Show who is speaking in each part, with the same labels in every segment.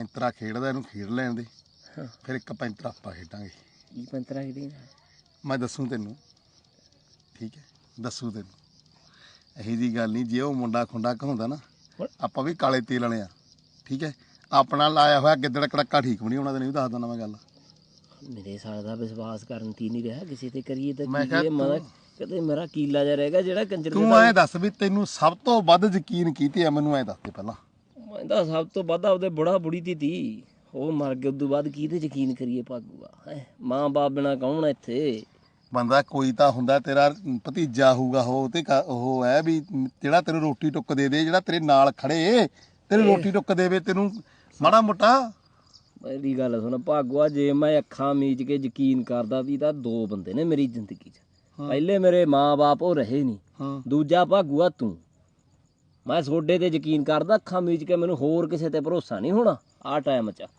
Speaker 1: ਪੈਂਤਰਾ ਖੇਡਦਾ, ਇਹਨੂੰ ਖੇਡ ਲੈਣ ਦੇ, ਫਿਰ ਇੱਕ ਪੈਂਤਰਾ ਆਪਾਂ ਖੇਡਾਂਗੇ।
Speaker 2: ਕੀ ਪੈਂਤਰਾ ਖੇਡੀ?
Speaker 1: ਮੈਂ ਦੱਸੂ ਤੈਨੂੰ, ਠੀਕ ਹੈ, ਦੱਸੂ ਤੈਨੂੰ। ਇਹੀ ਜਿਹੀ ਗੱਲ ਨਹੀਂ, ਜੇ ਉਹ ਮੁੰਡਾ ਖੁੰਡਾ ਕਹਾਉਂਦਾ ਨਾ, ਆਪਾਂ ਵੀ ਕਾਲੇ ਤੇਲ ਵਾਲੇ ਆ, ਠੀਕ ਹੈ। ਆਪਣਾ ਲਾਇਆ ਹੋਇਆ ਗਿੱਦੜ ਕੜੱਕਾ ਠੀਕ ਵੀ ਨਹੀਂ ਹੋਣਾ, ਤੈਨੂੰ ਵੀ ਦੱਸ ਦਿੰਦਾ ਮੈਂ ਗੱਲ।
Speaker 2: ਮੇਰੇ ਸਾਲ ਦਾ ਵਿਸ਼ਵਾਸ ਕਰਨ ਤੀ ਨਹੀਂ ਰਿਹਾ ਕਿਸੇ ਤੇ ਕਰੀਏ ਤਾਂ
Speaker 1: ਮੈਂ ਕਿਹਾ
Speaker 2: ਕਦੇ ਮੇਰਾ ਕੀਲਾ ਜਾ ਰਹੇਗਾ ਜਿਹੜਾ ਕੰਜਰ।
Speaker 1: ਤੂੰ ਐਂ ਦੱਸ ਵੀ ਤੈਨੂੰ ਸਭ ਤੋਂ ਵੱਧ ਯਕੀਨ ਕੀਤੇ ਆ, ਮੈਨੂੰ ਐਂ ਦੱਸ ਦੇ ਪਹਿਲਾਂ।
Speaker 2: ਮੈਂ ਤਾਂ ਸਭ ਤੋਂ ਵੱਧ ਆਪਦੇ ਬੁੜਾ ਬੁੜੀ ਤੀ ਉਹ ਮਰ ਗਏ, ਉਦੋਂ ਬਾਅਦ ਕਿਹਦੇ ਯਕੀਨ ਕਰੀਏ ਭਾਗੂਗਾ ਹੈ। ਮਾਂ ਬਾਪ ਬਿਨਾਂ ਕੌਣ ਇੱਥੇ?
Speaker 1: ਬੰਦਾ ਕੋਈ ਤਾਂ ਹੁੰਦਾ, ਤੇਰਾ ਭਤੀਜਾ ਹੋਊਗਾ ਉਹ, ਤੇ ਉਹ ਹੈ ਵੀ ਜਿਹੜਾ ਤੈਨੂੰ ਰੋਟੀ ਟੁੱਕ ਦੇ ਦੇ, ਜਿਹੜਾ ਤੇਰੇ ਨਾਲ ਖੜੇ ਤੈਨੂੰ ਰੋਟੀ ਟੁੱਕ ਦੇਵੇ, ਤੈਨੂੰ ਮਾੜਾ ਮੋਟਾ।
Speaker 2: ਮੇਰੀ ਗੱਲ ਸੁਣ ਭਾਗੂਆ, ਜੇ ਮੈਂ ਅੱਖਾਂ ਮੀਚ ਕੇ ਯਕੀਨ ਕਰਦਾ ਵੀ ਤਾਂ ਦੋ ਬੰਦੇ ਨੇ ਮੇਰੀ ਜ਼ਿੰਦਗੀ 'ਚ। ਪਹਿਲੇ ਮੇਰੇ ਮਾਂ ਬਾਪ ਉਹ ਰਹੇ ਨਹੀਂ, ਦੂਜਾ ਭਾਗੂਆ ਤੂੰ। ਮੈਂ ਤੁਹਾਡੇ ਤੇ ਯਕੀਨ ਕਰਦਾ ਅੱਖਾਂ ਮੀਚ ਕੇ, ਮੈਨੂੰ ਹੋਰ ਕਿਸੇ ਤੇ ਭਰੋਸਾ ਨਹੀਂ ਹੋਣਾ ਆਹ ਟਾਈਮ 'ਚ।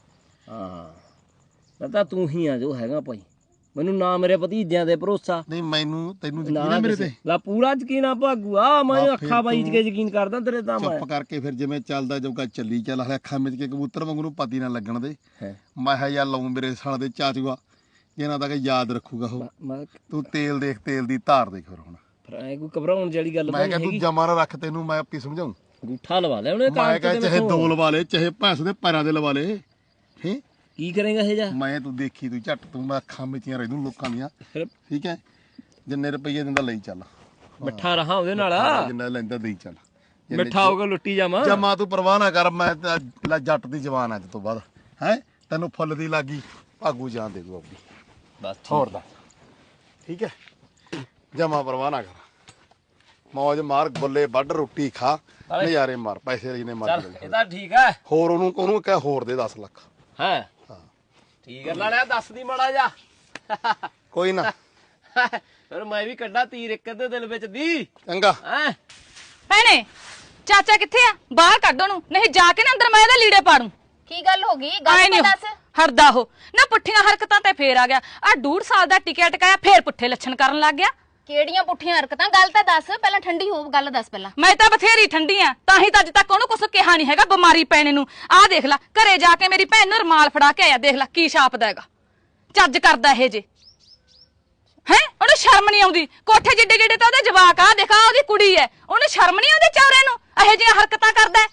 Speaker 2: ਹਾਂ ਤਾਂ ਤੂੰ ਹੀ ਆ ਜੋ ਹੈਗਾ ਭਾਈ, ਮੈਨੂੰ ਨਾ ਮੇਰੇ ਭਤੀਜਿਆਂ ਦੇ ਭਰੋਸਾ
Speaker 1: ਨਹੀਂ। ਮੈਨੂੰ ਤੈਨੂੰ ਯਕੀਨ ਹੈ ਮੇਰੇ ਤੇ?
Speaker 2: ਲਾ ਪੂਰਾ ਯਕੀਨ ਆ ਭਾਗੂਆ, ਮੈਂ ਅੱਖਾਂ ਮੀਚ ਕੇ ਯਕੀਨ ਕਰਦਾ ਤੇਰੇ ਤਾਂ।
Speaker 1: ਚੁੱਪ ਕਰਕੇ ਫਿਰ ਜਿਵੇਂ ਚੱਲਦਾ ਜਾਊਗਾ ਚੱਲੀ ਚੱਲ, ਹਲੇ ਅੱਖਾਂ ਮੀਚ ਕੇ ਕਬੂਤਰ ਵਾਂਗੂ ਨੂੰ ਪਤੀ ਨਾ ਲੱਗਣ ਦੇ। ਮੈਂ ਕਿਹਾ ਯਾਰ ਲਾਉਂ ਮੇਰੇ ਸਾਲ ਦੇ ਚਾਚੂਆ, ਇਹਨਾਂ ਦਾ ਕਿ ਯਾਦ ਰੱਖੂਗਾ ਉਹ। ਤੂੰ ਤੇਲ ਦੇਖ, ਤੇਲ ਦੀ ਧਾਰ ਦੇਖ। ਫਿਰ ਹੁਣ
Speaker 2: ਫਿਰ ਐ ਕੋਈ ਘਬਰਾਉਣ ਵਾਲੀ ਗੱਲ
Speaker 1: ਮੈਂ ਕਿਹਾ ਤੂੰ ਜਮਾ ਨਾ ਰੱਖ, ਤੈਨੂੰ ਮੈਂ ਆਪੀ ਸਮਝਾਉਂ।
Speaker 2: ਅੰਗੂਠਾ ਲਵਾ ਲੈ ਉਹਨੇ,
Speaker 1: ਮੈਂ ਕਿਹਾ ਚਾਹੇ ਦੋ ਲਵਾ ਲੈ, ਚਾਹੇ ਭੈਂਸ ਦੇ ਪੈਰਾਂ ਦੇ ਲਵਾ ਲੈ। ਹੈ
Speaker 2: ਕੀ ਕਰੇਗਾ ਇਹ ਜਾ?
Speaker 1: ਮੈਂ ਤੂੰ ਦੇਖੀ, ਤੂੰ ਝੱਟ, ਤੂੰ ਮੈਂ ਅੱਖਾਂ ਮੀਚੀਆਂ ਰਹਿ ਦੂੰ ਲੋਕਾਂ ਦੀਆਂ, ਠੀਕ ਹੈ। ਜਿੰਨੇ ਰੁਪਈਏ ਦਿੰਦਾ ਲਈ ਚੱਲ,
Speaker 2: ਮਿੱਠਾ ਰਹਾ ਉਹਦੇ ਨਾਲ,
Speaker 1: ਜਿੰਨਾ ਲੈਂਦਾ ਦੇਈ ਚੱਲ।
Speaker 2: ਮਿੱਠਾ ਹੋਗਾ ਲੁੱਟੀ ਜਾਵਾਂ।
Speaker 1: ਜਮਾ ਤੂੰ ਪਰਵਾਹ ਨਾ ਕਰ, ਮੈਂ ਜੱਟ ਦੀ ਜਵਾਨ ਅੱਜ ਤੋਂ ਬਾਅਦ ਹੈ। ਤੈਨੂੰ ਫੁੱਲ ਦੀ ਲੱਗੀ, ਭਾਗੂ ਜਾਨ ਦੇ ਦੂ ਆਪਣੀ,
Speaker 2: ਬਸ
Speaker 1: ਹੋਰ ਦਾ, ਠੀਕ ਹੈ। ਜਮਾ ਪਰਵਾਹ ਨਾ ਕਰ, ਮੌਜ ਮਾਰ, ਗੁੱਲੇ ਵੱਢ, ਰੋਟੀ ਖਾ, ਨਜ਼ਾਰੇ ਮਾਰ, ਪੈਸੇ ਜਿੰਨੇ ਮਾਰ।
Speaker 2: ਇਹ ਤਾਂ ਠੀਕ ਹੈ।
Speaker 1: ਹੋਰ ਉਹਨੂੰ ਕਹਿ ਹੋਰ ਦੇ 10 ਲੱਖ।
Speaker 2: ਹੈ ਠੀਕ ਹੈ, ਲਾਲਿਆ ਦੱਸ ਦੀ ਮਾੜਾ ਜਾ।
Speaker 1: ਕੋਈ ਨਾ,
Speaker 2: ਫਿਰ ਮੈਂ ਵੀ ਕੱਢਾ ਤੀਰ ਇੱਕ ਅੱਧੇ ਦਿਲ ਵਿੱਚ ਦੀ।
Speaker 1: ਚੰਗਾ।
Speaker 3: ਭੈਣੇ ਚਾਚਾ ਕਿੱਥੇ ਆ? ਬਾਹਰ ਕੱਢ ਉਹਨੂੰ, ਨਹੀਂ ਜਾ ਕੇ ਨਾ ਅੰਦਰ ਮੈਂ ਇਹਦੇ ਲੀੜੇ ਪਾੜੂ।
Speaker 4: ਕੀ ਗੱਲ ਹੋ ਗਈ? ਗੱਲ ਤਾਂ ਦੱਸ।
Speaker 3: ਹਰਦਾ ਹੋ ਨਾ, ਪੁੱਠੀਆਂ ਹਰਕਤਾਂ ਤੇ ਫੇਰ ਆ ਗਿਆ। ਆ 1.5 ਸਾਲ ਦਾ ਟਿਕਿਆ ਟਕਾਇਆ ਫੇਰ ਪੁੱਠੇ ਲੱਛਣ ਕਰਨ ਲੱਗ ਗਿਆ।
Speaker 4: ਕਿਹੜੀਆਂ ਪੁੱਠੀਆਂ ਹਰਕਤਾਂ? ਗੱਲ ਤਾਂ ਦੱਸ, ਪਹਿਲਾਂ ਠੰਡੀ ਹੋ, ਗੱਲ ਦੱਸ ਪਹਿਲਾਂ।
Speaker 3: ਮੈਂ ਤਾਂ ਬਥੇਰੀ ਠੰਡੀ ਆ, ਤਾਂ ਹੀ ਤਾਂ ਅੱਜ ਤੱਕ ਉਹਨੂੰ ਕੁਛ ਕਿਹਾ ਨਹੀਂ ਹੈਗਾ ਬਿਮਾਰੀ ਪੈਣੇ ਨੂੰ। ਆਹ ਦੇਖ ਲੈ, ਘਰੇ ਜਾ ਕੇ ਮੇਰੀ ਭੈਣ ਨੂੰ ਰਮਾਲ ਫੜਾ ਕੇ ਆਇਆ, ਦੇਖ ਲੈ ਕੀ ਛਾਪਦਾ ਹੈਗਾ। ਚੱਜ ਕਰਦਾ ਇਹ ਜੇ ਹੈ, ਉਹਨੂੰ ਸ਼ਰਮ ਨਹੀਂ ਆਉਂਦੀ। ਕੋਠੇ ਜਿੱਡੇ ਜਿੱਡੇ ਤਾਂ ਉਹਦੇ ਜਵਾਕ ਆ, ਦੇਖਾ ਉਹਦੀ ਕੁੜੀ ਐ, ਉਹਨੂੰ ਸ਼ਰਮ ਨਹੀਂ ਆਉਂਦੀ ਚੌਰੇ ਨੂੰ ਇਹੋ ਜਿਹੀਆਂ ਹਰਕਤਾਂ ਕਰਦਾ।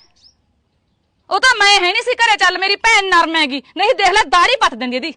Speaker 3: ਉਹ ਤਾਂ ਮੈਂ ਹੈ ਨਹੀਂ ਸੀ ਘਰੇ, ਚੱਲ ਮੇਰੀ ਭੈਣ ਨਰਮ ਹੈਗੀ, ਨਹੀਂ ਦੇਖ ਲੈ ਦਾੜੀ ਪੱਟ ਦਿੰਦੀ ਇਹਦੀ।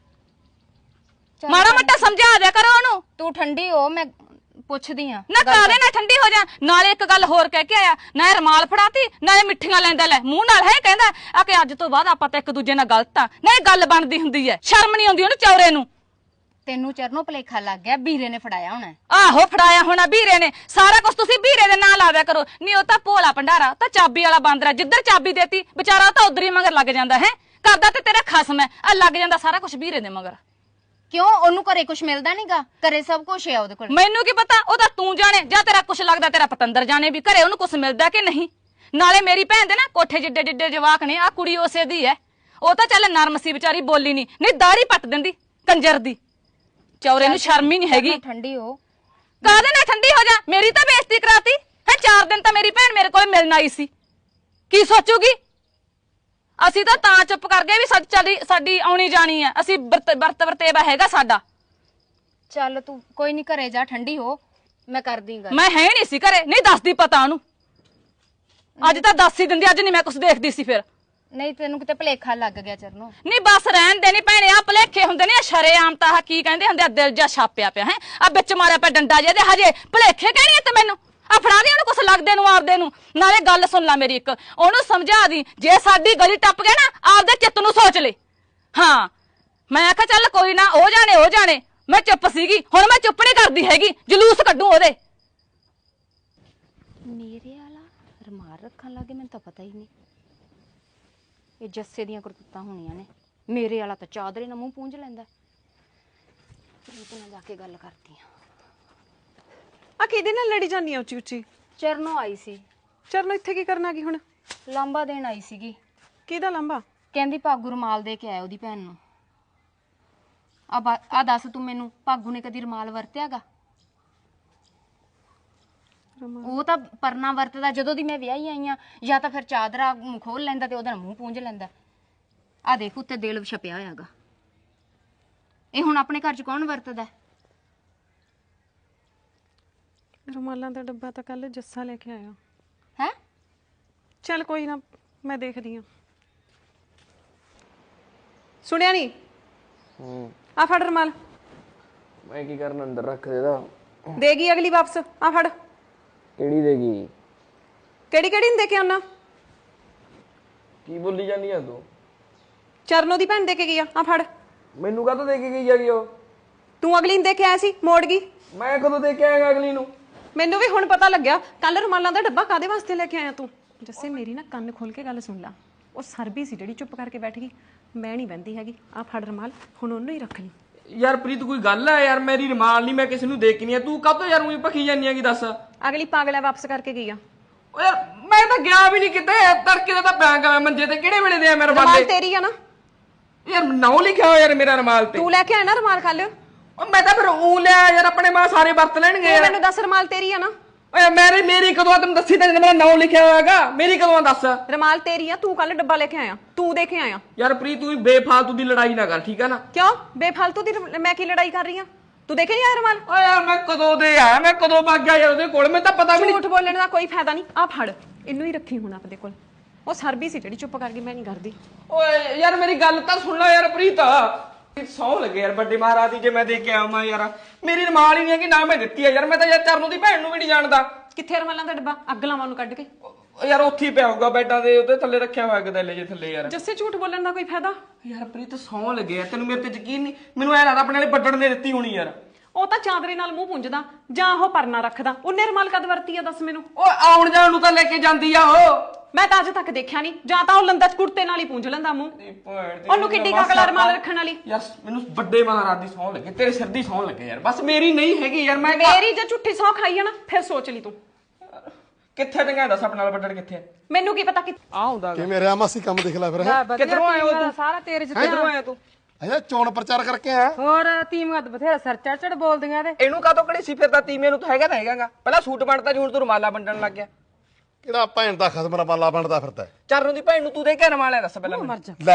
Speaker 3: ਮਾੜਾ ਮੋਟਾ ਸਮਝਾ ਦਿਆ ਕਰੋ ਉਹਨੂੰ।
Speaker 4: ਤੂੰ ਠੰਡੀ ਹੋ, ਮੈਂ ਪੁੱਛਦੀ ਆ
Speaker 3: ਨਾ ਕਾਹਦੇ ਨਾਲ ਠੰਡੀ ਹੋ ਜਾ। ਨਾਲੇ ਇੱਕ ਗੱਲ ਹੋਰ ਕਹਿ ਕੇ ਆਇਆ, ਨਾ ਰਮਾਲ ਫੜਾਤੀ ਨਾਲੇ ਮਿੱਠੀਆਂ ਲੈਂਦਾ। ਲੈ ਮੂੰਹ ਨਾਲ ਹੈ ਕਹਿੰਦਾ ਆ ਕਿ ਅੱਜ ਤੋਂ ਬਾਅਦ ਆਪਾਂ ਤਾਂ ਇੱਕ ਦੂਜੇ ਨਾਲ ਗਲਤ ਆ, ਨਾ ਇਹ ਗੱਲ ਬਣਦੀ ਹੁੰਦੀ ਐ। ਸ਼ਰਮ ਨਹੀਂ ਆਉਂਦੀ ਉਹਨੂੰ ਚੌਰੇ ਨੂੰ।
Speaker 4: ਤੈਨੂੰ ਚਰਨੋਂ ਭਲੇਖਾ ਲੱਗ ਗਿਆ, ਵੀਰੇ ਨੇ ਫੜਾਇਆ ਹੋਣਾ।
Speaker 3: ਆਹੋ ਫੜਾਇਆ ਹੋਣਾ ਵੀਰੇ ਨੇ, ਸਾਰਾ ਕੁਝ ਤੁਸੀਂ ਵੀਰੇ ਦੇ ਨਾਂ ਲਾ ਦਿਆ ਕਰੋ। ਨਹੀਂ ਉਹ ਤਾਂ ਭੋਲਾ ਭੰਡਾਰਾ, ਤਾਂ ਚਾਬੀ ਵਾਲਾ ਬਾਂਦਰਾ, ਜਿੱਧਰ ਚਾਬੀ ਦੇਤੀ ਵਿਚਾਰਾ ਤਾਂ ਉਧਰ ਹੀ ਮਗਰ ਲੱਗ ਜਾਂਦਾ ਹੈ। ਕਰਦਾ ਤੇ ਤੇਰਾ ਖਸਮ ਹੈ, ਆ ਲੱਗ ਜਾਂਦਾ ਸਾਰਾ ਕੁਝ ਵੀਰੇ ਦੇ ਮਗਰ।
Speaker 4: ਕਿਉਂ? ਉਹਨੂੰ ਘਰੇ ਕੁਝ ਮਿਲਦਾ ਨਹੀਂਗਾ? ਘਰੇ ਸਭ ਕੁਝ ਹੈ ਉਹਦੇ ਕੋਲ।
Speaker 3: ਮੈਨੂੰ ਕੀ ਪਤਾ, ਉਹ ਤਾਂ ਤੂੰ ਜਾਣੇ ਜਾਂ ਤੇਰਾ ਕੁਝ ਲੱਗਦਾ ਤੇਰਾ ਪਤੰਦਰ ਜਾਣੇ ਵੀ ਘਰੇ ਉਹਨੂੰ ਕੁਝ ਮਿਲਦਾ ਕਿ ਨਹੀਂ। ਨਾਲੇ ਮੇਰੀ ਭੈਣ ਦੇ ਨਾ ਕੋਠੇ ਜਿੱਡੇ ਜਿੱਡੇ ਜਵਾਕ ਨੇ, ਆ ਕੁੜੀ ਉਸੇ ਦੀ ਹੈ। ਉਹ ਤਾਂ ਚੱਲ ਨਰਮ ਸੀ ਵਿਚਾਰੀ, ਬੋਲੀ ਨਹੀਂ ਦਾੜੀ ਪੱਟ ਦਿੰਦੀ ਕੰਜਰ ਦੀ। ਚੌਰੇ ਨੂੰ ਸ਼ਰਮ ਹੀ ਨਹੀਂ ਹੈਗੀ।
Speaker 4: ਠੰਡੀ ਹੋ।
Speaker 3: ਕਾਹਦੇ ਨਾਲ ਠੰਡੀ ਹੋ ਜਾ? ਮੇਰੀ ਤਾਂ ਬੇਇੱਜ਼ਤੀ ਕਰਾਤੀ ਹੈ। 4 ਦਿਨ ਤਾਂ ਮੇਰੀ ਭੈਣ ਮੇਰੇ ਕੋਲ ਮਿਲਣ ਆਈ ਸੀ, ਕੀ ਸੋਚੂਗੀ? ਅਸੀਂ ਤਾਂ ਚੁੱਪ ਕਰ ਗਏ ਵੀ ਸਾਡੀ ਆਉਣੀ ਜਾਣੀ ਹੈ। ਅਸੀਂ ਵਰਤ ਵਰਤੇਵਾ ਹੈਗਾ ਸਾਡਾ।
Speaker 4: ਚੱਲ ਤੂੰ ਕੋਈ ਨਹੀਂ, ਘਰੇ ਜਾ, ਠੰਡੀ ਹੋ, ਮੈਂ ਕਰਦੀ ਗੱਲ।
Speaker 3: ਮੈਂ ਹੈ ਨਹੀਂ ਸੀ ਘਰੇ, ਨਹੀਂ ਦੱਸਦੀ ਪਤਾ ਉਹਨੂੰ। ਅੱਜ ਤਾਂ ਦੱਸ ਹੀ ਦਿੰਦੀ, ਅੱਜ ਨਹੀਂ ਮੈਂ ਕੁਝ ਦੇਖਦੀ ਸੀ। ਫਿਰ
Speaker 4: ਨਹੀਂ ਤੈਨੂੰ ਕਿਤੇ ਭਲੇਖਾ ਲੱਗ ਗਿਆ ਚਰਨੋਂ।
Speaker 3: ਨਹੀਂ ਬਸ ਰਹਿਣ ਦੇ, ਨਹੀਂ ਭੈਣੇ ਆ ਭਲੇਖੇ ਹੁੰਦੇ ਨੇ, ਸ਼ਰੇਆਮ ਤਾਂ ਕੀ ਕਹਿੰਦੇ ਹੁੰਦੇ ਆ, ਦਿਲ ਜਾ ਛਾਪਿਆ ਪਿਆ ਹੈ। ਆ ਵਿੱਚ ਮਾਰਿਆ ਪਿਆ ਡੰਡਾ ਜਿਹਦੇ, ਹਜੇ ਭਲੇਖੇ ਕਹਿਣੀ ਤੇ ਮੈਨੂੰ ਆ ਫੜਾ ਦੀ ਉਹਨੂੰ ਕੁਛ ਲੱਗਦੇ ਨੂੰ ਆਪਦੇ ਨੂੰ। ਨਾਲੇ ਗੱਲ ਸੁਣ ਲੈ ਮੇਰੀ ਇੱਕ, ਉਹਨੂੰ ਸਮਝਾ ਦੀ ਜੇ ਸਾਡੀ ਗਲੀ ਟੱਪ ਗਏ ਨਾ ਆਪਦੇ ਚਿੱਤ ਨੂੰ ਸੋਚ ਲੈ। ਹਾਂ ਮੈਂ ਆਖਿਆ ਚੱਲ ਕੋਈ ਨਾ, ਉਹ ਜਾਣੇ। ਮੈਂ ਚੁੱਪ ਸੀਗੀ, ਹੁਣ ਮੈਂ ਚੁੱਪ ਨਹੀਂ ਕਰਦੀ ਹੈਗੀ, ਜਲੂਸ ਕੱਢੂ ਉਹਦੇ।
Speaker 4: ਮੇਰੇ ਵਾਲਾ ਰਮਾਲ ਰੱਖਣ ਲੱਗੇ, ਮੈਨੂੰ ਤਾਂ ਪਤਾ ਹੀ ਨਹੀਂ। ਇਹ ਜੱਸੇ ਦੀਆਂ ਕਰਤੂਤਾਂ ਹੋਣੀਆਂ ਨੇ। ਮੇਰੇ ਵਾਲਾ ਤਾਂ ਚਾਦਰੇ ਨਾਲ ਮੂੰਹ ਪੂੰਝ ਲੈਂਦਾ। ਇਹਦੇ ਨਾਲ ਜਾ ਕੇ ਗੱਲ ਕਰਦੀ ਆ।
Speaker 5: ਆ ਕਿਹਦੇ ਨਾਲ ਲੜੀ ਜਾਂਦੀ ਆ ਉੱਚੀ ਉੱਚੀ?
Speaker 4: ਚਰਨੋਂ ਆਈ ਸੀ।
Speaker 5: ਚਰਨੋਂ ਇੱਥੇ ਕੀ ਕਰਨ ਆ ਗਈ ਹੁਣ?
Speaker 4: ਲਾਂਬਾ ਦੇਣ ਆਈ ਸੀਗੀ।
Speaker 5: ਕਿਹਦਾ ਲਾਂਬਾ?
Speaker 4: ਕਹਿੰਦੀ ਭਾਗੂ ਰਮਾਲ ਦੇ ਕੇ ਆਇਆ ਉਹਦੀ ਭੈਣ ਨੂੰ। ਆ ਦੱਸ ਤੂੰ ਮੈਨੂੰ, ਭਾਗੂ ਨੇ ਕਦੀ ਰਮਾਲ ਵਰਤਿਆਗਾ? ਉਹ ਤਾਂ ਪਰਨਾ ਵਰਤਦਾ ਜਦੋਂ ਦੀ ਮੈਂ ਵਿਆਹੀ ਆਈ ਆ, ਜਾਂ ਤਾਂ ਫਿਰ ਚਾਦਰਾ ਖੋਲ ਲੈਂਦਾ ਤੇ ਉਹਦਾ ਮੂੰਹ ਪੂੰਝ ਲੈਂਦਾ। ਆ ਦੇਖ ਉੱਤੇ ਦਿਲ ਛਪਿਆ ਹੋਇਆਗਾ। ਇਹ ਹੁਣ ਆਪਣੇ ਘਰ 'ਚ ਕੌਣ ਵਰਤਦਾ?
Speaker 5: ਰੁਮਾਲਾਂ ਦਾ ਡੱਬਾ ਤਾਂ ਕੱਲ ਜੱਸਾ ਲੈ ਕੇ ਆਇਆ।
Speaker 4: ਹੈ
Speaker 5: ਚੱਲ ਕੋਈ ਨਾ, ਮੈਂ ਦੇਖਦੀ ਹਾਂ। ਸੁਣਿਆ ਨਹੀਂ? ਆ ਫੜ ਰੁਮਾਲ।
Speaker 6: ਮੈਂ ਕੀ ਕਰਨ ਅੰਦਰ ਰੱਖ ਦੇਦਾ।
Speaker 5: ਦੇਗੀ ਅਗਲੀ ਵਾਪਸ। ਆ ਫੜ।
Speaker 6: ਕਿਹੜੀ ਦੇਗੀ?
Speaker 5: ਕਿਹੜੀ ਕਿਹੜੀ ਨੂੰ ਦੇ ਕੇ ਆਉਣਾ?
Speaker 6: ਕੀ ਬੋਲੀ ਜਾਂਦੀ ਆ ਤੂੰ?
Speaker 5: ਚਰਨੋ ਦੀ ਭੈਣ ਦੇ ਕੇ ਗਈ ਆ। ਆ ਫੜ।
Speaker 6: ਮੈਨੂੰ ਕਾਹਤੋਂ ਦੇ ਕੇ ਗਈ ਹੈਗੀ ਉਹ?
Speaker 5: ਤੂੰ ਅਗਲੀ ਨੂੰ ਦੇ ਕੇ ਆਇਆ ਸੀ, ਮੋੜ ਗਈ।
Speaker 6: ਮੈਂ ਕਦੋਂ ਦੇ ਕੇ ਆਏਗਾ ਅਗਲੀ ਨੂੰ?
Speaker 5: ਮੈਨੂੰ ਵੀ ਹੁਣ ਪਤਾ ਲੱਗਿਆ। ਕੱਲ ਰੁਮਾਲਾਂ ਦਾ ਡੱਬਾ ਕਾਦੇ ਵਾਸਤੇ ਲੈ ਕੇ ਆਇਆ ਤੂੰ? ਜੱਸੇ ਮੇਰੀ ਨਾ ਕੰਨ ਖੋਲ ਕੇ ਗੱਲ ਸੁਣ ਲਾ। ਉਹ ਸਰਬੀ ਸੀ ਜਿਹੜੀ ਚੁੱਪ ਕਰਕੇ ਬੈਠ ਗਈ। ਮੈਂ ਨਹੀਂ ਬਹਿੰਦੀ ਹੈਗੀ। ਆ ਫੜ ਰੁਮਾਲ, ਹੁਣ ਉਹਨੂੰ ਹੀ ਰੱਖ ਲਈ।
Speaker 6: ਯਾਰ ਪ੍ਰੀਤ ਕੋਈ ਗੱਲ ਆ ਯਾਰ, ਮੇਰੀ ਰਮਾਲ ਨਹੀਂ, ਮੈਂ ਕਿਸੇ ਨੂੰ ਦੇ ਕੇ ਨਹੀਂ ਆ। ਤੂੰ ਕਾਹਤੋਂ ਯਾਰ ਉਹੀ ਭਖੀ ਜਾਂਦੀ ਹੈਗੀ ਦੱਸ?
Speaker 5: ਅਗਲੀ ਪਾਗਲ ਹੈ, ਵਾਪਸ ਕਰਕੇ ਗਈ ਆ।
Speaker 6: ਓ ਯਾਰ ਮੈਂ ਤਾਂ ਗਿਆ ਵੀ ਨਹੀਂ ਕਿਤੇ, ਤੜਕੇ ਦਾ ਤਾਂ ਬੈਂਕ ਆ ਮੰਜੇ ਤੇ। ਕਿਹੜੇ ਵੇਲੇ ਦੇ ਆ ਮੇਰੇ
Speaker 5: ਰੁਮਾਲ
Speaker 6: ਰਮਾਲੇ?
Speaker 5: ਤੇਰੀ ਆ ਨਾ?
Speaker 6: ਯਾਰ ਨਾਉ ਲਿਖਿਆ ਹੋਇਆ ਯਾਰ ਮੇਰਾ ਰਮਾਲ ਤੇ।
Speaker 5: ਤੂੰ ਲੈ ਕੇ ਆਇਆ ਨਾ ਰੁਮਾਲ ਕੱਲ?
Speaker 6: ਓ ਮੈਂ ਤਾਂ ਫਿਰ ਉਹ ਲਿਆ ਯਾਰ, ਆਪਣੇ ਮਾਂ ਸਾਰੇ ਵਰਤ ਲੈਣਗੇ
Speaker 5: ਤੂੰ
Speaker 6: ਯਾਰ।
Speaker 5: ਮੈਨੂੰ ਦੱਸ ਰੁਮਾਲ ਤੇਰੀ ਆ ਨਾ?
Speaker 6: ਓਏ ਮੇਰੀ ਕਦੋਂ ਆ? ਤੈਨੂੰ ਦੱਸੀ ਤਾਂ ਮੇਰਾ ਨਾਉ ਲਿਖਿਆ ਹੋਇਆਗਾ। ਮੇਰੀ ਕਦੋਂ ਆ ਦੱਸ?
Speaker 5: ਰੁਮਾਲ ਤੇਰੀ ਆ। ਤੂੰ ਕੱਲ ਡੱਬਾ ਲੈ ਕੇ ਆਇਆ, ਤੂੰ ਦੇ ਕੇ ਆਇਆ।
Speaker 6: ਯਾਰ ਪ੍ਰੀਤ ਤੂੰ ਬੇਫਾਲਤੂ ਦੀ ਲੜਾਈ ਨਾ ਕਰ, ਠੀਕ ਆ ਨਾ?
Speaker 5: ਕਿਉਂ ਬੇਫਾਲਤੂ ਦੀ? ਮੈਂ ਕੀ ਲੜਾਈ ਕਰ ਰਹੀ ਆ? ਤੂੰ ਦੇਖੇ ਨਹੀਂ ਆਇਆ ਰੁਮਾਲ?
Speaker 6: ਓਏ ਯਾਰ ਮੈਂ ਕਦੋਂ ਦੇ ਆਇਆ, ਮੈਂ ਕਦੋਂ ਭੱਗ ਗਿਆ ਯਾਰ ਉਹਦੇ ਕੋਲ? ਮੈਨੂੰ ਤਾਂ ਪਤਾ ਵੀ ਨਹੀਂ।
Speaker 5: ਝੂਠ ਬੋਲਣ ਦਾ ਕੋਈ ਫਾਇਦਾ ਨਹੀਂ। ਆ ਫੜ, ਇਹਨੂੰ ਹੀ ਰੱਖੀ ਹੁਣ ਆਪਦੇ ਕੋਲ। ਉਹ ਸਰਬੀ ਸੀ ਜਿਹੜੀ ਚੁੱਪ ਕਰਕੇ ਮੈਂ ਨਹੀਂ ਕਰਦੀ।
Speaker 6: ਓਏ ਯਾਰ ਮੇਰੀ ਗੱਲ ਤਾਂ ਸੁਣ ਲੈ ਯਾਰ ਪ੍ਰੀਤ। ਸੌ ਲੱਗੇ ਯਾਰ ਵੱਡੇ ਮਹਾਰਾਜ ਦੀ, ਜੇ ਮੈਂ ਦੇ ਕੇ ਆਵਾਂ ਯਾਰ। ਮੇਰੀ ਰਮਾਲ ਹੀ ਨਹੀਂ ਹੈ ਕਿ ਨਾ ਮੈਂ ਦਿੱਤੀ ਆ ਯਾਰ। ਮੈਂ ਤਾਂ ਯਾਰ ਚਰਨੋਂ ਦੀ ਭੈਣ ਨੂੰ ਵੀ ਨਹੀਂ ਜਾਣਦਾ।
Speaker 5: ਕਿੱਥੇ ਰੁਮਾਲਾਂ ਦਾ ਡੱਬਾ? ਅੱਗ ਲਾਵਾਂ ਨੂੰ ਕੱਢ ਕੇ।
Speaker 6: ਓ ਯਾਰ ਉੱਥੇ ਹੀ ਪਿਆ ਹੋਊਗਾ ਬੈਡਾਂ ਦੇ ਉੱਤੇ ਥੱਲੇ ਰੱਖਿਆ ਹੋਇਆ ਗਦੈਲੇ ਜੇ ਥੱਲੇ ਯਾਰ।
Speaker 5: ਜੱਸੇ ਝੂਠ ਬੋਲਣ ਦਾ ਕੋਈ ਫਾਇਦਾ?
Speaker 6: ਯਾਰ ਪ੍ਰੀਤ ਸੌ ਲੱਗੇ ਯਾਰ, ਤੈਨੂੰ ਮੇਰੇ ਤੇ ਯਕੀਨ ਨਹੀਂ? ਮੈਨੂੰ ਐ ਲੱਗਦਾ ਆਪਣੇ ਵਾਲੇ ਵੱਡਣ ਨੇ ਦਿੱਤੀ ਹੋਣੀ ਯਾਰ।
Speaker 5: ਉਹ ਤਾਂ ਚਾਦਰੇ ਨਾਲ ਮੂੰਹ ਪੁੰਝਦਾ ਜਾਂ ਉਹ ਪਰਨਾ ਰੱਖਦਾ। ਉਹਨੇ ਰੁਮਾਲ ਕਦ ਵਰਤੀ ਆ ਦੱਸ ਮੈਨੂੰ?
Speaker 6: ਓਏ ਆਉਣ ਜਾਣ ਨੂੰ ਤਾਂ ਲੈ ਕੇ ਜਾਂਦੀ ਆ ਉਹ।
Speaker 5: ਮੈਂ ਤਾਂ ਅੱਜ ਤੱਕ ਦੇਖਿਆ ਨਹੀਂ। ਜਾਂ ਤਾਂ ਉਹ ਲੰਦਾ ਕੁੜਤੇ ਨਾਲ ਹੀ ਪੁੰਝ ਲੈਂਦਾ ਮੂੰਹ। ਉਹਨੂੰ ਕਿੱਡੀ ਕਾਕਲਾ ਰੁਮਾਲ ਰੱਖਣ ਵਾਲੀ?
Speaker 6: ਯਾਰ ਮੈਨੂੰ ਵੱਡੇ ਮਹਾਰਾਜ ਦੀ ਸੌ ਲੱਗੇ, ਤੇਰੇ ਸਿਰ ਦੀ ਸੌ ਲੱਗੇ ਯਾਰ। ਬਸ ਮੇਰੀ ਨਹੀਂ ਹੈਗੀ ਯਾਰ। ਮੈਂ
Speaker 5: ਮੇਰੀ ਜੇ ਝੁੱਠੀ ਸੌ ਖਾਈ ਆ ਨਾ, ਫਿਰ ਸੋਚ ਲਈ ਤੂੰ।
Speaker 6: ਕਿੱਥੇ ਟੰਗਾ ਦੱਸ ਆਪਣੇ ਨਾਲ ਵੱਡਣ ਕਿੱਥੇ?
Speaker 5: ਮੈਨੂੰ ਕੀ ਪਤਾ ਕਿ
Speaker 6: ਆ ਹੁੰਦਾ
Speaker 1: ਕਿ ਮੇਰੇ ਮਾਸੀ ਕੰਮ ਦੇਖ ਲੈ ਫਿਰ। ਹੈ
Speaker 6: ਕਿੱਧਰੋਂ ਆਇਆ ਤੂੰ?
Speaker 7: ਸਾਰਾ ਤੇਰੇ ਚ
Speaker 6: ਕਿੱਧਰੋਂ ਆਇਆ ਤੂੰ?
Speaker 1: ਅਜਾ ਚੋਣ ਪ੍ਰਚਾਰ ਕਰਕੇ ਆਇਆ।
Speaker 7: ਹੋਰ ਤੀਮੀਆਂ ਤਾਂ ਬਥੇਰਾ ਸਰ ਚੜ ਬੋਲਦੀਆਂ ਤੇ
Speaker 6: ਇਹਨੂੰ ਕਾਹਤੋਂ ਕੜੀ ਸੀ ਫਿਰਦਾ? ਤੀਮੇ ਨੂੰ ਤਾਂ ਹੈਗਾ ਤਾਂ ਹੈਗਾਗਾ। ਪਹਿਲਾਂ ਸੂਟ ਬਣਦਾ, ਹੁਣ ਤੂੰ ਰੁਮਾਲਾ ਵੰਡਣ ਲੱਗ ਗਿਆ।
Speaker 1: ਕਿਹੜਾ ਭੈਣ ਦਾ ਖਸਮ ਰਮਾਲਾ ਬਣਦਾ ਫਿਰਦਾ?
Speaker 6: ਚਰਨੋਂ ਦੀ ਭੈਣ ਨੂੰ ਤੂੰ ਦੇ ਕੇ ਰਮਾਲਿਆ ਦੱਸ ਪਹਿਲਾਂ ਮੈਨੂੰ।
Speaker 1: ਲੈ